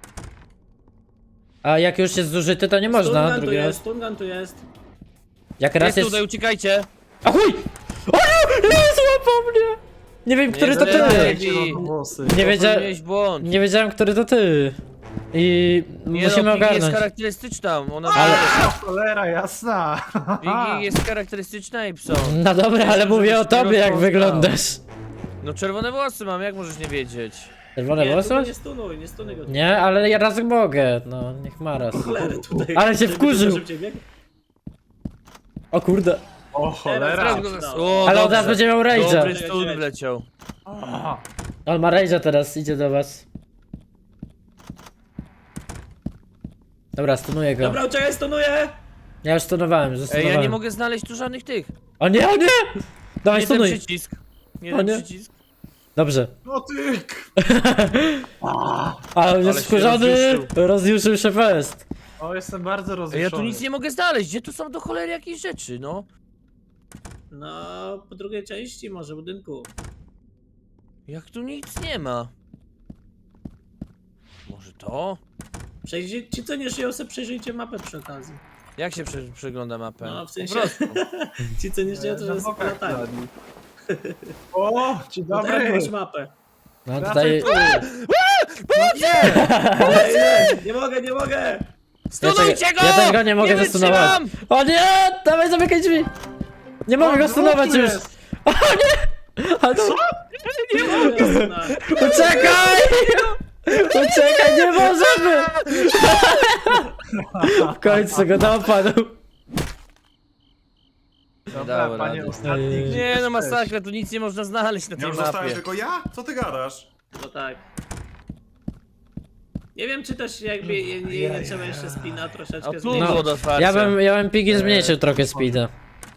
[SPEAKER 2] A jak już jest zużyty, to nie można
[SPEAKER 3] Stungun tu
[SPEAKER 2] drugi raz.
[SPEAKER 3] jest, Stungun tu jest.
[SPEAKER 2] Jak raz
[SPEAKER 1] Jest
[SPEAKER 2] jest...
[SPEAKER 1] tutaj, uciekajcie.
[SPEAKER 2] A chuj! O nie! Nie złapał mnie! Nie wiem, który to ty!
[SPEAKER 1] zdradzaj.
[SPEAKER 2] Nie wiedziałem...
[SPEAKER 1] Popełniłeś błąd.
[SPEAKER 2] Nie wiedziałem, który to ty. I
[SPEAKER 1] Nie
[SPEAKER 2] musimy
[SPEAKER 1] no, Piggy jest
[SPEAKER 2] ogarnąć.
[SPEAKER 1] charakterystyczna. Ona
[SPEAKER 2] Ale-
[SPEAKER 4] Cholera jasna!
[SPEAKER 1] Piggy jest charakterystyczna i pso.
[SPEAKER 2] No dobra, ale mówię o tobie, jak wyglądasz.
[SPEAKER 1] No czerwone włosy mam, jak możesz nie wiedzieć?
[SPEAKER 2] Czerwone
[SPEAKER 3] Nie,
[SPEAKER 2] włosy?
[SPEAKER 3] tutaj nie stunuj, nie stunuj go.
[SPEAKER 2] Nie, ale ja raz mogę. No, niech ma raz.
[SPEAKER 3] Cholery tutaj.
[SPEAKER 2] Ale się
[SPEAKER 3] Żeby
[SPEAKER 2] wkurzył.
[SPEAKER 3] tylko szybciej biegł.
[SPEAKER 2] O kurde.
[SPEAKER 4] O cholera!
[SPEAKER 3] Teraz
[SPEAKER 1] go zas-
[SPEAKER 3] udało.
[SPEAKER 1] O,
[SPEAKER 2] Ale on
[SPEAKER 1] dobrze.
[SPEAKER 2] teraz będzie miał rage'a.
[SPEAKER 1] Dobry stun wleciał.
[SPEAKER 4] Aha.
[SPEAKER 2] On ma rage'a teraz, idzie do was. Dobra, stunuję go.
[SPEAKER 3] Dobra, uciekaj, stunuję!
[SPEAKER 2] Ja już stunowałem, już
[SPEAKER 1] Ej,
[SPEAKER 2] zastunowałem.
[SPEAKER 1] ja nie mogę znaleźć tu żadnych tych.
[SPEAKER 2] O nie, o nie! Dawaj,
[SPEAKER 1] Nie ten
[SPEAKER 2] stunuj.
[SPEAKER 1] przycisk. Nie
[SPEAKER 2] O
[SPEAKER 1] ten
[SPEAKER 2] nie.
[SPEAKER 1] przycisk.
[SPEAKER 2] Dobrze.
[SPEAKER 4] No ty!
[SPEAKER 2] A on
[SPEAKER 1] Ale
[SPEAKER 2] jest
[SPEAKER 1] się
[SPEAKER 2] wkurzony,
[SPEAKER 1] rozjuszył.
[SPEAKER 2] rozjuszył się fest.
[SPEAKER 4] O, jestem bardzo
[SPEAKER 1] Ej,
[SPEAKER 4] rozjuszony.
[SPEAKER 1] ja tu nic nie mogę znaleźć. Gdzie tu są do cholery jakieś rzeczy, no?
[SPEAKER 3] No, po drugiej części może budynku.
[SPEAKER 1] Jak tu nic nie ma? Może to?
[SPEAKER 3] Przejdzie, ci co nie żyją, sobie przejrzyjcie mapę przy okazji.
[SPEAKER 1] Jak się prze przegląda mapę?
[SPEAKER 3] No, w sensie-
[SPEAKER 1] Po prostu.
[SPEAKER 3] Ci co nie żyją, to
[SPEAKER 4] Na
[SPEAKER 3] jest
[SPEAKER 4] bokach
[SPEAKER 3] latanie.
[SPEAKER 4] kradli. O, dzień
[SPEAKER 3] No tak,
[SPEAKER 4] dobry!
[SPEAKER 3] masz mapę.
[SPEAKER 2] No
[SPEAKER 4] Wracaj
[SPEAKER 2] tutaj...
[SPEAKER 4] tu!
[SPEAKER 3] Ej, ej, nie mogę, nie mogę!
[SPEAKER 1] Stunujcie go!
[SPEAKER 2] Ja też go nie mogę zastunować.
[SPEAKER 1] wytrzymam!
[SPEAKER 2] O nie! Dawaj, zamykaj drzwi! Nie mogę go stunować
[SPEAKER 4] tu
[SPEAKER 2] już!
[SPEAKER 4] jest.
[SPEAKER 2] O nie! Ale to...
[SPEAKER 3] Nie mogę, no.
[SPEAKER 2] Uciekaj! Uciekaj, nie możemy! W końcu go dopadł.
[SPEAKER 4] Dobra,
[SPEAKER 1] dało
[SPEAKER 4] panie
[SPEAKER 1] rady.
[SPEAKER 4] ostatni. gdzie
[SPEAKER 1] Nie no,
[SPEAKER 4] jesteś?
[SPEAKER 1] masakra, tu nic nie można znaleźć na
[SPEAKER 5] ja
[SPEAKER 1] tej
[SPEAKER 5] już zostałem
[SPEAKER 1] mapie.
[SPEAKER 5] tylko ja? Co ty gadasz?
[SPEAKER 3] No tak. Nie wiem, czy też jakby je, je, nie trzeba jeszcze spina
[SPEAKER 1] O,
[SPEAKER 3] troszeczkę
[SPEAKER 1] tu
[SPEAKER 3] zmienić.
[SPEAKER 1] było do otwarcia.
[SPEAKER 2] Ja bym, ja bym Piggy zmniejszył trochę speeda.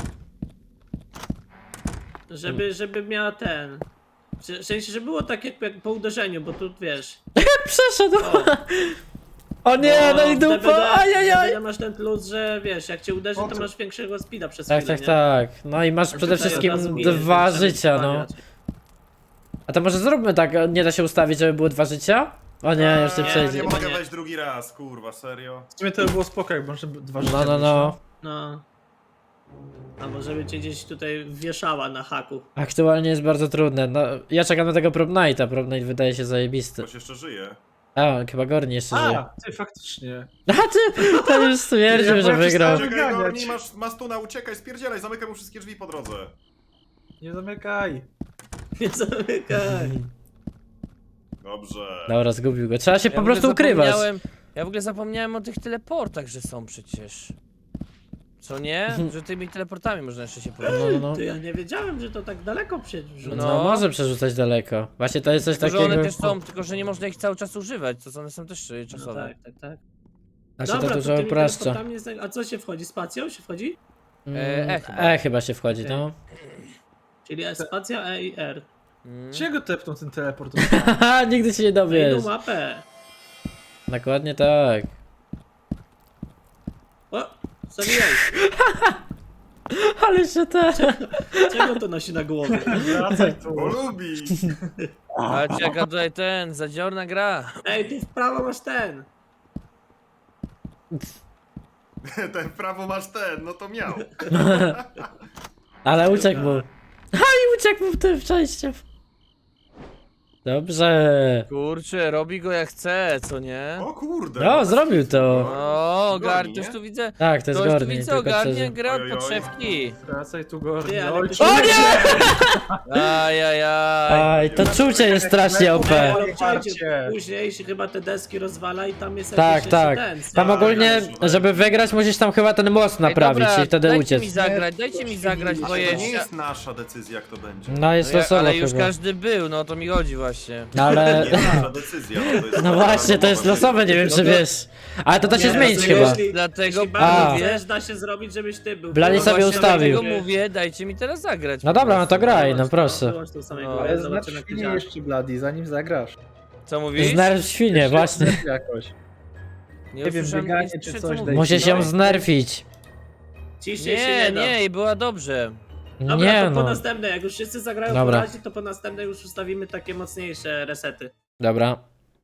[SPEAKER 3] Żeby, żeby miała ten... W sensie, że było tak jak, jak po uderzeniu, bo tu wiesz...
[SPEAKER 2] Przeszedł!
[SPEAKER 3] O,
[SPEAKER 2] O nie, no i
[SPEAKER 3] w D V D
[SPEAKER 2] dupa! Ajajaj!
[SPEAKER 3] w D V D masz ten plus, że wiesz, jak cię uderzy,
[SPEAKER 4] O,
[SPEAKER 3] to
[SPEAKER 4] co?
[SPEAKER 3] masz większego speeda przez
[SPEAKER 2] Tak,
[SPEAKER 3] chwilę,
[SPEAKER 2] tak,
[SPEAKER 3] nie?
[SPEAKER 2] tak. No i masz przede
[SPEAKER 3] Tutaj od
[SPEAKER 2] wszystkim
[SPEAKER 3] razu ginie,
[SPEAKER 2] dwa
[SPEAKER 3] więc trzeba
[SPEAKER 2] życia,
[SPEAKER 3] być
[SPEAKER 2] no.
[SPEAKER 3] raczej.
[SPEAKER 2] A to może zróbmy tak, nie da się ustawić, żeby było dwa życia? O nie, już nie
[SPEAKER 3] nie,
[SPEAKER 2] przejdzie.
[SPEAKER 5] Nie
[SPEAKER 3] Chyba
[SPEAKER 5] mogę
[SPEAKER 3] nie.
[SPEAKER 5] wejść drugi raz, kurwa, serio.
[SPEAKER 4] W sumie to by było spoko, jak może dwa życia
[SPEAKER 2] No, no,
[SPEAKER 4] mieć,
[SPEAKER 2] no.
[SPEAKER 3] No. Albo żeby cię gdzieś tutaj wieszała na haku.
[SPEAKER 2] Aktualnie jest bardzo trudne. No, ja czekam na tego Prom Nighta. Prom Night wydaje się zajebisty.
[SPEAKER 5] Ktoś jeszcze żyje.
[SPEAKER 2] A, chyba Gorni jeszcze żyje.
[SPEAKER 4] A, ty faktycznie.
[SPEAKER 2] A ty, ten już stwierdził,
[SPEAKER 4] Ja
[SPEAKER 2] że
[SPEAKER 4] byłem
[SPEAKER 2] wygrał.
[SPEAKER 4] przestałem-
[SPEAKER 5] Czekaj,
[SPEAKER 4] wyganiać.
[SPEAKER 5] Gorni, masz mastuna, uciekaj, spierdzielaj, zamykaj mu wszystkie drzwi po drodze.
[SPEAKER 4] Nie zamykaj.
[SPEAKER 3] Nie zamykaj.
[SPEAKER 5] Dobrze.
[SPEAKER 2] Dobra, zgubił go. Trzeba się
[SPEAKER 1] Ja
[SPEAKER 2] po
[SPEAKER 1] w ogóle
[SPEAKER 2] prostu ukrywać.
[SPEAKER 1] zapomniałem- Ja w ogóle zapomniałem o tych teleportach, że są przecież. Co nie? Że tymi teleportami można jeszcze się poruszać.
[SPEAKER 2] No, no, no.
[SPEAKER 3] To ja nie wiedziałem, że to tak daleko przerzuca.
[SPEAKER 2] No,
[SPEAKER 1] No.
[SPEAKER 2] może przerzucać daleko. Właśnie to jest coś
[SPEAKER 1] Tylko, że
[SPEAKER 2] takiego.
[SPEAKER 1] one też są, tylko że nie można ich cały czas używać, to one są też y,
[SPEAKER 3] No
[SPEAKER 1] czasowe.
[SPEAKER 3] tak, tak, tak.
[SPEAKER 2] Znaczy
[SPEAKER 3] Dobra,
[SPEAKER 2] to
[SPEAKER 3] to
[SPEAKER 2] dużo
[SPEAKER 3] tymi
[SPEAKER 2] upraszcza.
[SPEAKER 3] teleportami jest tak- A co się wchodzi? Spacją się wchodzi?
[SPEAKER 2] Mm,
[SPEAKER 1] E, E chyba.
[SPEAKER 2] E chyba się wchodzi, no.
[SPEAKER 3] Czyli spacja E i R.
[SPEAKER 1] Mm.
[SPEAKER 4] Czego tepnął ten teleport?
[SPEAKER 2] Haha, nigdy się nie
[SPEAKER 3] Wejdą
[SPEAKER 2] dowiesz.
[SPEAKER 3] mapę.
[SPEAKER 2] Dokładnie tak.
[SPEAKER 3] O! Zabijaj!
[SPEAKER 2] Ale się te.
[SPEAKER 3] Czego to nosi na głowie?
[SPEAKER 4] Wracaj tu.
[SPEAKER 5] Bo lubi.
[SPEAKER 1] Ale jaka tutaj ten, zadziorna gra.
[SPEAKER 3] Ej, tu w prawo masz ten!
[SPEAKER 5] Ten w prawo masz ten, no to miał.
[SPEAKER 2] Ale uciekł mu. A i uciekł mu w tym przejściem. Dobrze.
[SPEAKER 1] Kurczę, robi go jak chce, co nie?
[SPEAKER 5] O kurde.
[SPEAKER 2] No, zrobił to.
[SPEAKER 1] O, gar,
[SPEAKER 5] Gorni,
[SPEAKER 1] ktoś
[SPEAKER 5] nie?
[SPEAKER 1] tu widzę.
[SPEAKER 2] Tak, to jest
[SPEAKER 1] Ktoś tu
[SPEAKER 2] Gorni,
[SPEAKER 1] widzę,
[SPEAKER 2] tylko
[SPEAKER 1] ogarnie
[SPEAKER 2] szczerze.
[SPEAKER 1] gra od
[SPEAKER 5] Oj, oj, oj.
[SPEAKER 1] podszewki.
[SPEAKER 4] Wracaj tu, Gorni.
[SPEAKER 3] Ty, ale
[SPEAKER 4] Oj,
[SPEAKER 3] ty
[SPEAKER 4] czy-
[SPEAKER 3] się-
[SPEAKER 2] O nie!
[SPEAKER 1] Ajajaj.
[SPEAKER 2] Aj, to czucie jest strasznie O P.
[SPEAKER 3] Ale słuchajcie,
[SPEAKER 4] Parcie.
[SPEAKER 3] później się chyba te deski rozwala i tam jest
[SPEAKER 2] Tak,
[SPEAKER 3] jakiś
[SPEAKER 2] tak.
[SPEAKER 3] jeszcze ten.
[SPEAKER 2] Tam
[SPEAKER 5] Tak,
[SPEAKER 2] ogólnie,
[SPEAKER 5] tak.
[SPEAKER 2] żeby wygrać, musisz tam chyba ten most naprawić
[SPEAKER 1] Ej, dobra,
[SPEAKER 2] i wtedy
[SPEAKER 1] dajcie
[SPEAKER 2] uciec.
[SPEAKER 1] mi zagrać, dajcie mi zagrać, bo
[SPEAKER 5] To nie
[SPEAKER 1] jeszcze...
[SPEAKER 5] jest nasza decyzja, jak to będzie.
[SPEAKER 2] No jest
[SPEAKER 1] No ja,
[SPEAKER 2] losowo
[SPEAKER 1] ale już
[SPEAKER 2] chyba.
[SPEAKER 1] każdy był, no o to mi chodzi właśnie.
[SPEAKER 2] No ale...
[SPEAKER 5] Nie nasza decyzja. No, to jest
[SPEAKER 2] No właśnie, to jest losowe, nie wiem czy wiesz. Ale to da się
[SPEAKER 3] Nie,
[SPEAKER 2] zmienić
[SPEAKER 3] dlatego
[SPEAKER 2] chyba.
[SPEAKER 3] jeśli-
[SPEAKER 1] Dlatego
[SPEAKER 3] Jeśli bardzo
[SPEAKER 2] A.
[SPEAKER 3] chcesz, da się zrobić, żebyś ty był.
[SPEAKER 2] Blali
[SPEAKER 1] No
[SPEAKER 2] sobie
[SPEAKER 1] właśnie
[SPEAKER 2] ustawił.
[SPEAKER 1] Dlatego mówię, dajcie mi teraz zagrać.
[SPEAKER 2] No
[SPEAKER 1] po
[SPEAKER 2] dobra, no
[SPEAKER 1] prostu.
[SPEAKER 2] to graj, no
[SPEAKER 3] Wyłącz to,
[SPEAKER 2] proszę.
[SPEAKER 3] wyłącz tą samej
[SPEAKER 1] No.
[SPEAKER 3] głowy,
[SPEAKER 4] Ale znaczy
[SPEAKER 3] zobaczymy jak to
[SPEAKER 4] nie
[SPEAKER 3] działa.
[SPEAKER 4] jeszcze Bloody, zanim zagrasz.
[SPEAKER 1] Co mówisz?
[SPEAKER 2] Znerw świnie, właśnie.
[SPEAKER 4] Jakoś.
[SPEAKER 1] Nie,
[SPEAKER 4] Nie wiem,
[SPEAKER 1] usłyszałem,
[SPEAKER 4] bieganie
[SPEAKER 1] nie
[SPEAKER 4] czy
[SPEAKER 1] słyszę,
[SPEAKER 4] coś
[SPEAKER 1] co
[SPEAKER 4] daj-
[SPEAKER 1] mówisz.
[SPEAKER 2] Musisz ją znerfić.
[SPEAKER 3] Ciszej się
[SPEAKER 1] Nie,
[SPEAKER 3] nie da.
[SPEAKER 1] nie, i była dobrze.
[SPEAKER 3] Dobra,
[SPEAKER 2] Nie
[SPEAKER 3] to po
[SPEAKER 2] no.
[SPEAKER 3] następne, jak już wszyscy zagrają
[SPEAKER 2] Dobra.
[SPEAKER 3] po razie, to po następne już ustawimy takie mocniejsze resety.
[SPEAKER 2] Dobra.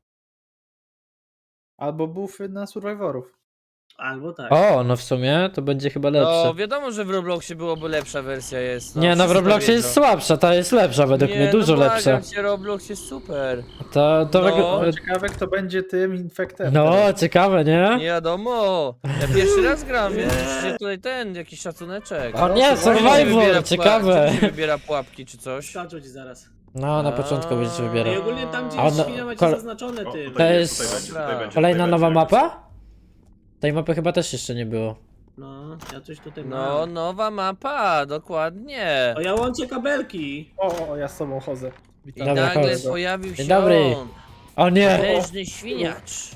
[SPEAKER 4] Albo buffy na survivorów.
[SPEAKER 3] Albo tak.
[SPEAKER 2] O, no w sumie to będzie chyba
[SPEAKER 1] No
[SPEAKER 2] lepsze.
[SPEAKER 1] wiadomo, że w Robloxie byłoby lepsza wersja jest.
[SPEAKER 2] Nie, no w
[SPEAKER 1] wszyscy
[SPEAKER 2] Robloxie
[SPEAKER 1] to
[SPEAKER 2] jest
[SPEAKER 1] wiedzą.
[SPEAKER 2] słabsza, ta jest lepsza według
[SPEAKER 1] Nie,
[SPEAKER 2] mnie, dużo
[SPEAKER 1] no
[SPEAKER 2] lepsza.
[SPEAKER 1] błagam cię, Roblox jest super.
[SPEAKER 2] To, to
[SPEAKER 1] No.
[SPEAKER 2] wygl-
[SPEAKER 4] Ciekawe kto będzie tym infektem.
[SPEAKER 2] No,
[SPEAKER 4] teraz.
[SPEAKER 2] ciekawe, nie?
[SPEAKER 1] Nie wiadomo. Ja pierwszy raz gram, więc musicie tutaj ten, jakiś szacuneczek.
[SPEAKER 2] O nie,
[SPEAKER 1] Czemu się wybiera
[SPEAKER 2] Survivor,
[SPEAKER 1] puła-
[SPEAKER 2] ciekawe.
[SPEAKER 1] czemu się wybiera pułapki czy coś?
[SPEAKER 3] Skaczą ci zaraz.
[SPEAKER 2] No, na początku będziesz
[SPEAKER 3] I
[SPEAKER 2] wybierał.
[SPEAKER 3] ogólnie tam gdzie
[SPEAKER 2] A
[SPEAKER 3] jest
[SPEAKER 2] ona-
[SPEAKER 3] świnia macie
[SPEAKER 2] kol-
[SPEAKER 3] zaznaczone
[SPEAKER 5] O,
[SPEAKER 3] tym.
[SPEAKER 5] tutaj
[SPEAKER 2] To
[SPEAKER 5] jest,
[SPEAKER 2] jest
[SPEAKER 5] tutaj będzie, tutaj będzie,
[SPEAKER 2] Kolejna
[SPEAKER 5] tutaj
[SPEAKER 2] nowa
[SPEAKER 5] będzie.
[SPEAKER 2] mapa? Tej mapy chyba też jeszcze nie było.
[SPEAKER 3] No, ja coś tutaj
[SPEAKER 1] No,
[SPEAKER 3] mam.
[SPEAKER 1] nowa mapa, dokładnie.
[SPEAKER 3] O, ja łączę kabelki.
[SPEAKER 4] O, o, ja z sobą chodzę.
[SPEAKER 1] I
[SPEAKER 4] Witam.
[SPEAKER 2] Dobra,
[SPEAKER 1] nagle
[SPEAKER 2] chodź.
[SPEAKER 1] pojawił się
[SPEAKER 2] Dzień dobry.
[SPEAKER 1] on.
[SPEAKER 2] O nie!
[SPEAKER 1] Potężny świniacz.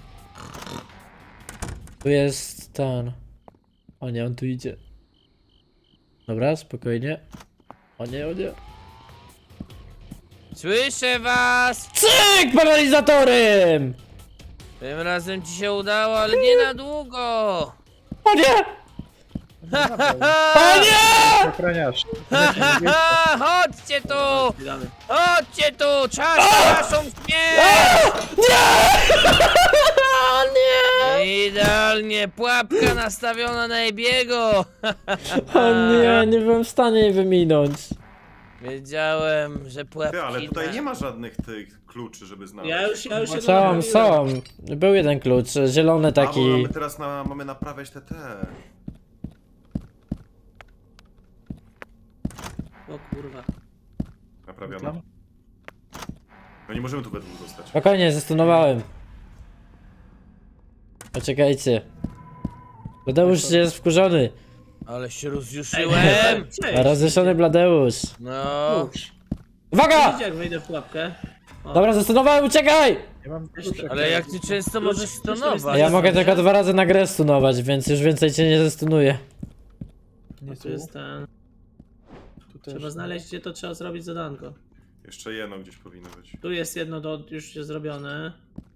[SPEAKER 2] Tu jest ten. O nie, on tu idzie. Dobra, spokojnie. O nie, o nie.
[SPEAKER 1] Słyszę was!
[SPEAKER 2] Cyk! Paralizatorem!
[SPEAKER 1] Tym razem ci się udało, ale nie na długo.
[SPEAKER 2] O nie! O nie!
[SPEAKER 4] Ochroniarz.
[SPEAKER 1] Ha, chodźcie tu!
[SPEAKER 3] Witamy.
[SPEAKER 1] Chodźcie tu! Czas na naszą śmierć!
[SPEAKER 2] O nie!
[SPEAKER 1] Idealnie, pułapka nastawiona na Ebiego!
[SPEAKER 2] O nie, nie byłem w stanie jej wyminąć.
[SPEAKER 1] Wiedziałem, że pułapki...
[SPEAKER 5] Ty, ale tutaj
[SPEAKER 1] na-
[SPEAKER 5] nie ma żadnych tych kluczy, żeby znaleźć.
[SPEAKER 3] Ja już, ja już się
[SPEAKER 2] Są,
[SPEAKER 3] naprawiłem.
[SPEAKER 2] są. Był jeden klucz, zielony
[SPEAKER 5] A, bo
[SPEAKER 2] taki.
[SPEAKER 5] mamy teraz na, mamy naprawiać te te.
[SPEAKER 3] O kurwa.
[SPEAKER 5] Naprawione. No nie możemy tu we dwóch zostać.
[SPEAKER 2] Spokojnie, zastosowałem. Poczekajcie. Bladeusz jest wkurzony.
[SPEAKER 1] Ale się rozjuszyłem!
[SPEAKER 3] Cześć.
[SPEAKER 2] Rozjuszony Bladeusz.
[SPEAKER 1] No...
[SPEAKER 3] Uż.
[SPEAKER 2] Uwaga!
[SPEAKER 3] Widzicie jak wejdę w pułapkę? O.
[SPEAKER 2] Dobra, zastosowałem, uciekaj!
[SPEAKER 4] Ja mam
[SPEAKER 1] Ale jak ty często możesz
[SPEAKER 3] Klucz- klucz
[SPEAKER 1] stonować?
[SPEAKER 2] Ja
[SPEAKER 3] jest
[SPEAKER 2] mogę
[SPEAKER 3] dobrze.
[SPEAKER 2] tylko dwa razy na grę stunować, więc już więcej cię nie zestunuję.
[SPEAKER 4] Nie
[SPEAKER 3] Tu jest ten...
[SPEAKER 4] tu też.
[SPEAKER 3] Trzeba znaleźć gdzie to trzeba zrobić zadanko.
[SPEAKER 5] Jeszcze jedno gdzieś powinno być.
[SPEAKER 3] Tu jest jedno do już się zrobione.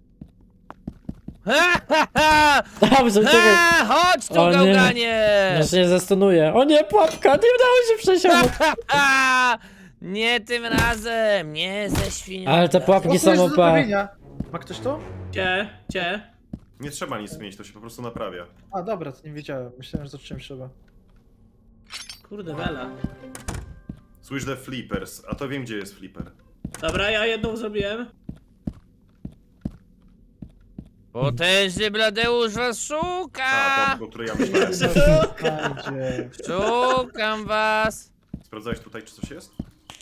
[SPEAKER 1] Ha, ha, ha!
[SPEAKER 2] Dobrze, uciekaj.
[SPEAKER 1] Ha, chodź tu,
[SPEAKER 2] O nie.
[SPEAKER 1] gałganie!
[SPEAKER 2] Ja się nie zestunuję. O nie, pułapka, nie udało się przejść obok.
[SPEAKER 1] Ha, ha! Nie tym razem, nie ze świnią.
[SPEAKER 2] Ale te pułapki
[SPEAKER 4] O, tu
[SPEAKER 2] są
[SPEAKER 4] jest do
[SPEAKER 2] O P.
[SPEAKER 4] naprawienia. Ma ktoś to?
[SPEAKER 3] Gdzie? Gdzie?
[SPEAKER 5] Nie trzeba nic zmienić, to się po prostu naprawia.
[SPEAKER 4] A dobra, to nie wiedziałem. Myślałem, że to czymś trzeba.
[SPEAKER 3] Kurde, Bela.
[SPEAKER 5] Słysz the flippers, a to wiem gdzie jest flipper.
[SPEAKER 3] Dobra, ja jedną zrobiłem.
[SPEAKER 1] Potężny Bladeusz was
[SPEAKER 5] A,
[SPEAKER 1] szuka!
[SPEAKER 5] to, o której ja myślałem.
[SPEAKER 4] Będzie.
[SPEAKER 1] Szukam was!
[SPEAKER 5] Sprawdzałeś tutaj, czy coś jest?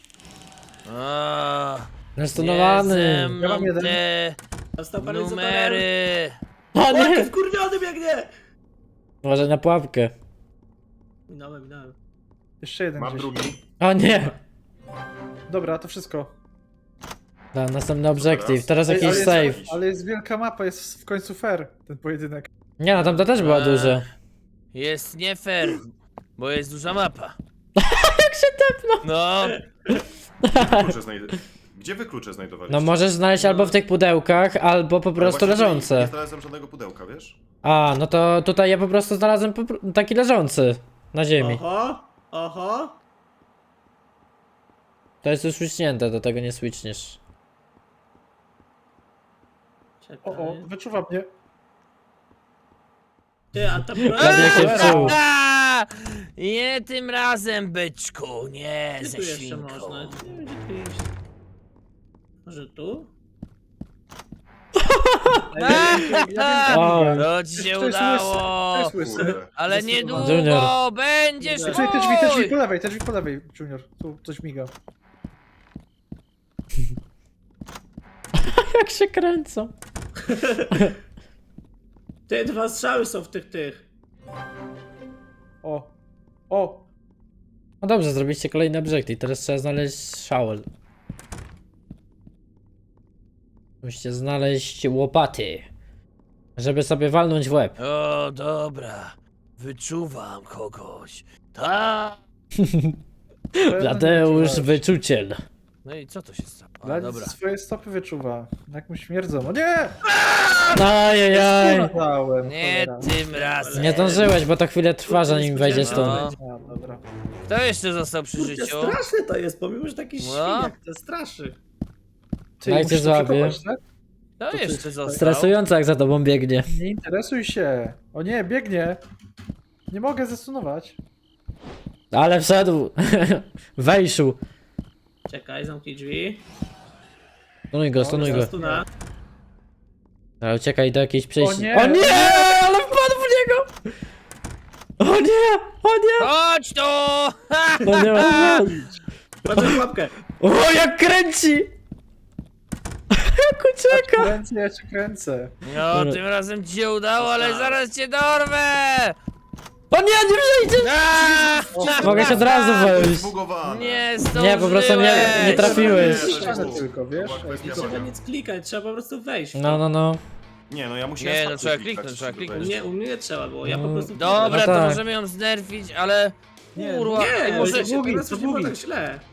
[SPEAKER 1] O,
[SPEAKER 2] Nastunowany.
[SPEAKER 4] Ja mam jeden.
[SPEAKER 1] te
[SPEAKER 3] Został paralizatorem.
[SPEAKER 1] numery.
[SPEAKER 2] O
[SPEAKER 3] O, jaki
[SPEAKER 2] nie!
[SPEAKER 3] wkurwiony biegnie!
[SPEAKER 2] Uważaj na pułapkę.
[SPEAKER 3] Minąłem, minąłem.
[SPEAKER 4] Jeszcze jeden
[SPEAKER 5] Mam
[SPEAKER 4] gdzieś.
[SPEAKER 5] drugi.
[SPEAKER 2] O nie!
[SPEAKER 4] Dobra, to wszystko.
[SPEAKER 2] Da, następny objective, teraz
[SPEAKER 4] Ej,
[SPEAKER 2] jakiś
[SPEAKER 4] ale,
[SPEAKER 2] save.
[SPEAKER 4] jest, ale jest wielka mapa, jest w końcu fair ten pojedynek.
[SPEAKER 2] Nie no, tamta też była
[SPEAKER 1] Eee.
[SPEAKER 2] duża.
[SPEAKER 1] Jest nie fair, bo jest duża mapa.
[SPEAKER 2] Jak się tepnął!
[SPEAKER 1] No,
[SPEAKER 5] Klucze znajd- Gdzie wy klucze znajdowaliście?
[SPEAKER 2] No możesz znaleźć albo w tych pudełkach, albo po
[SPEAKER 5] Ale
[SPEAKER 2] prostu
[SPEAKER 5] właśnie tutaj Nie
[SPEAKER 2] leżące.
[SPEAKER 5] znalazłem żadnego pudełka, wiesz?
[SPEAKER 2] A, no to tutaj ja po prostu znalazłem po, pr- taki leżący. Na ziemi.
[SPEAKER 3] Oho, oho.
[SPEAKER 2] To jest już switchnięte, do tego nie switchniesz.
[SPEAKER 3] Czekaj.
[SPEAKER 4] O, o, wyczuwa mnie.
[SPEAKER 3] Ty, a ta
[SPEAKER 2] Prawie
[SPEAKER 3] broń...
[SPEAKER 2] się wczuł.
[SPEAKER 1] A! Nie tym razem, byczku, nie
[SPEAKER 3] Gdzie
[SPEAKER 1] ze
[SPEAKER 3] tu jeszcze
[SPEAKER 1] świnką.
[SPEAKER 3] można? Nie wiem, gdzie tu iść. Może tu?
[SPEAKER 4] Ja wiem, ja wiem,
[SPEAKER 2] O,
[SPEAKER 4] ja wiem.
[SPEAKER 1] To ci się
[SPEAKER 4] To jest
[SPEAKER 1] udało.
[SPEAKER 4] To jest łysy.
[SPEAKER 5] Kurde.
[SPEAKER 1] Ale
[SPEAKER 4] Zdecydowanie.
[SPEAKER 1] niedługo
[SPEAKER 2] Junior.
[SPEAKER 1] będziesz
[SPEAKER 3] Tutaj
[SPEAKER 4] Tutaj te drzwi, te drzwi
[SPEAKER 1] mój.
[SPEAKER 4] po lewej, te drzwi po lewej, Junior. Tu coś miga.
[SPEAKER 2] jak się kręcą.
[SPEAKER 3] Te dwa strzały są w tych, tych.
[SPEAKER 4] O. O.
[SPEAKER 2] No dobrze, zrobiliście kolejny objective, teraz trzeba znaleźć shovel. Musicie znaleźć łopaty. Żeby sobie walnąć w łeb.
[SPEAKER 1] O, dobra. Wyczuwam kogoś. Tak.
[SPEAKER 2] Bladeusz wyczuciel.
[SPEAKER 1] No i co to się stało? A,
[SPEAKER 4] Dla
[SPEAKER 1] dobra.
[SPEAKER 4] swoje stopy wyczuwa. Jak mu śmierdzą. O nie!
[SPEAKER 2] Ajajaj.
[SPEAKER 4] Dałem,
[SPEAKER 1] Nie
[SPEAKER 4] cholera.
[SPEAKER 1] tym razem.
[SPEAKER 2] Nie zdążyłeś, bo to chwilę trwa, zanim wejdziesz
[SPEAKER 1] No.
[SPEAKER 2] stąd.
[SPEAKER 4] A, dobra.
[SPEAKER 1] Kto jeszcze został przy
[SPEAKER 3] Kurde,
[SPEAKER 1] życiu?
[SPEAKER 3] straszne to jest, pomimo, że taki
[SPEAKER 1] No.
[SPEAKER 3] świniak, to straszy.
[SPEAKER 4] Ty,
[SPEAKER 2] Dajcie
[SPEAKER 4] musisz to
[SPEAKER 2] złapie.
[SPEAKER 4] przekopać, tak?
[SPEAKER 1] Kto
[SPEAKER 4] To
[SPEAKER 1] jeszcze
[SPEAKER 4] ty-
[SPEAKER 1] został?
[SPEAKER 2] Stresująco jak za tobą biegnie.
[SPEAKER 4] Nie interesuj się. O nie, biegnie. Nie mogę zasunować.
[SPEAKER 2] Ale wszedł. Wejszył.
[SPEAKER 3] Czekaj, zamknij drzwi.
[SPEAKER 2] Stunuj go, stunuj go.
[SPEAKER 3] Zaraz tu na...
[SPEAKER 2] Ale uciekaj do jakiejś przejścia.
[SPEAKER 4] O nie!
[SPEAKER 2] O nie! Ale wpadł w niego! O nie! O nie!
[SPEAKER 1] Chodź tu! Ha!
[SPEAKER 2] O nie! O nie!
[SPEAKER 3] Patrz na łapkę.
[SPEAKER 2] O jak kręci! Jak ucieka!
[SPEAKER 4] Kręcę, ja cię kręcę.
[SPEAKER 1] No,
[SPEAKER 2] Dobra.
[SPEAKER 1] tym razem ci się udało, ale zaraz cię dorwę!
[SPEAKER 2] O nie, nie przejdzie!
[SPEAKER 1] Aaa!
[SPEAKER 2] Mogę się od razu wejść.
[SPEAKER 5] Zbugowane.
[SPEAKER 1] Nie zdążyłeś!
[SPEAKER 2] Nie, po prostu nie- nie trafiłeś.
[SPEAKER 4] Ścianę tylko, wiesz?
[SPEAKER 5] To była
[SPEAKER 3] Nie
[SPEAKER 5] kwestia
[SPEAKER 3] trzeba
[SPEAKER 5] baga.
[SPEAKER 3] nic klikać, trzeba po prostu wejść.
[SPEAKER 2] No, no, no.
[SPEAKER 5] Nie, no ja musiałem
[SPEAKER 1] Nie, no
[SPEAKER 5] spację
[SPEAKER 1] trzeba
[SPEAKER 5] klikać,
[SPEAKER 1] kliknąć, trzeba
[SPEAKER 5] żeby
[SPEAKER 1] kliknąć.
[SPEAKER 5] wejść.
[SPEAKER 3] Nie, u mnie nie trzeba było, ja po
[SPEAKER 2] Mm.
[SPEAKER 3] prostu...
[SPEAKER 1] Dobra,
[SPEAKER 2] No
[SPEAKER 1] to
[SPEAKER 2] tak.
[SPEAKER 1] możemy ją znerfić, ale...
[SPEAKER 4] Nie,
[SPEAKER 1] Kurwa,
[SPEAKER 3] Nie,
[SPEAKER 1] ej,
[SPEAKER 3] może
[SPEAKER 1] może...
[SPEAKER 3] się
[SPEAKER 4] długi,
[SPEAKER 3] teraz
[SPEAKER 4] to
[SPEAKER 3] już nie było
[SPEAKER 4] długi.
[SPEAKER 3] tak źle.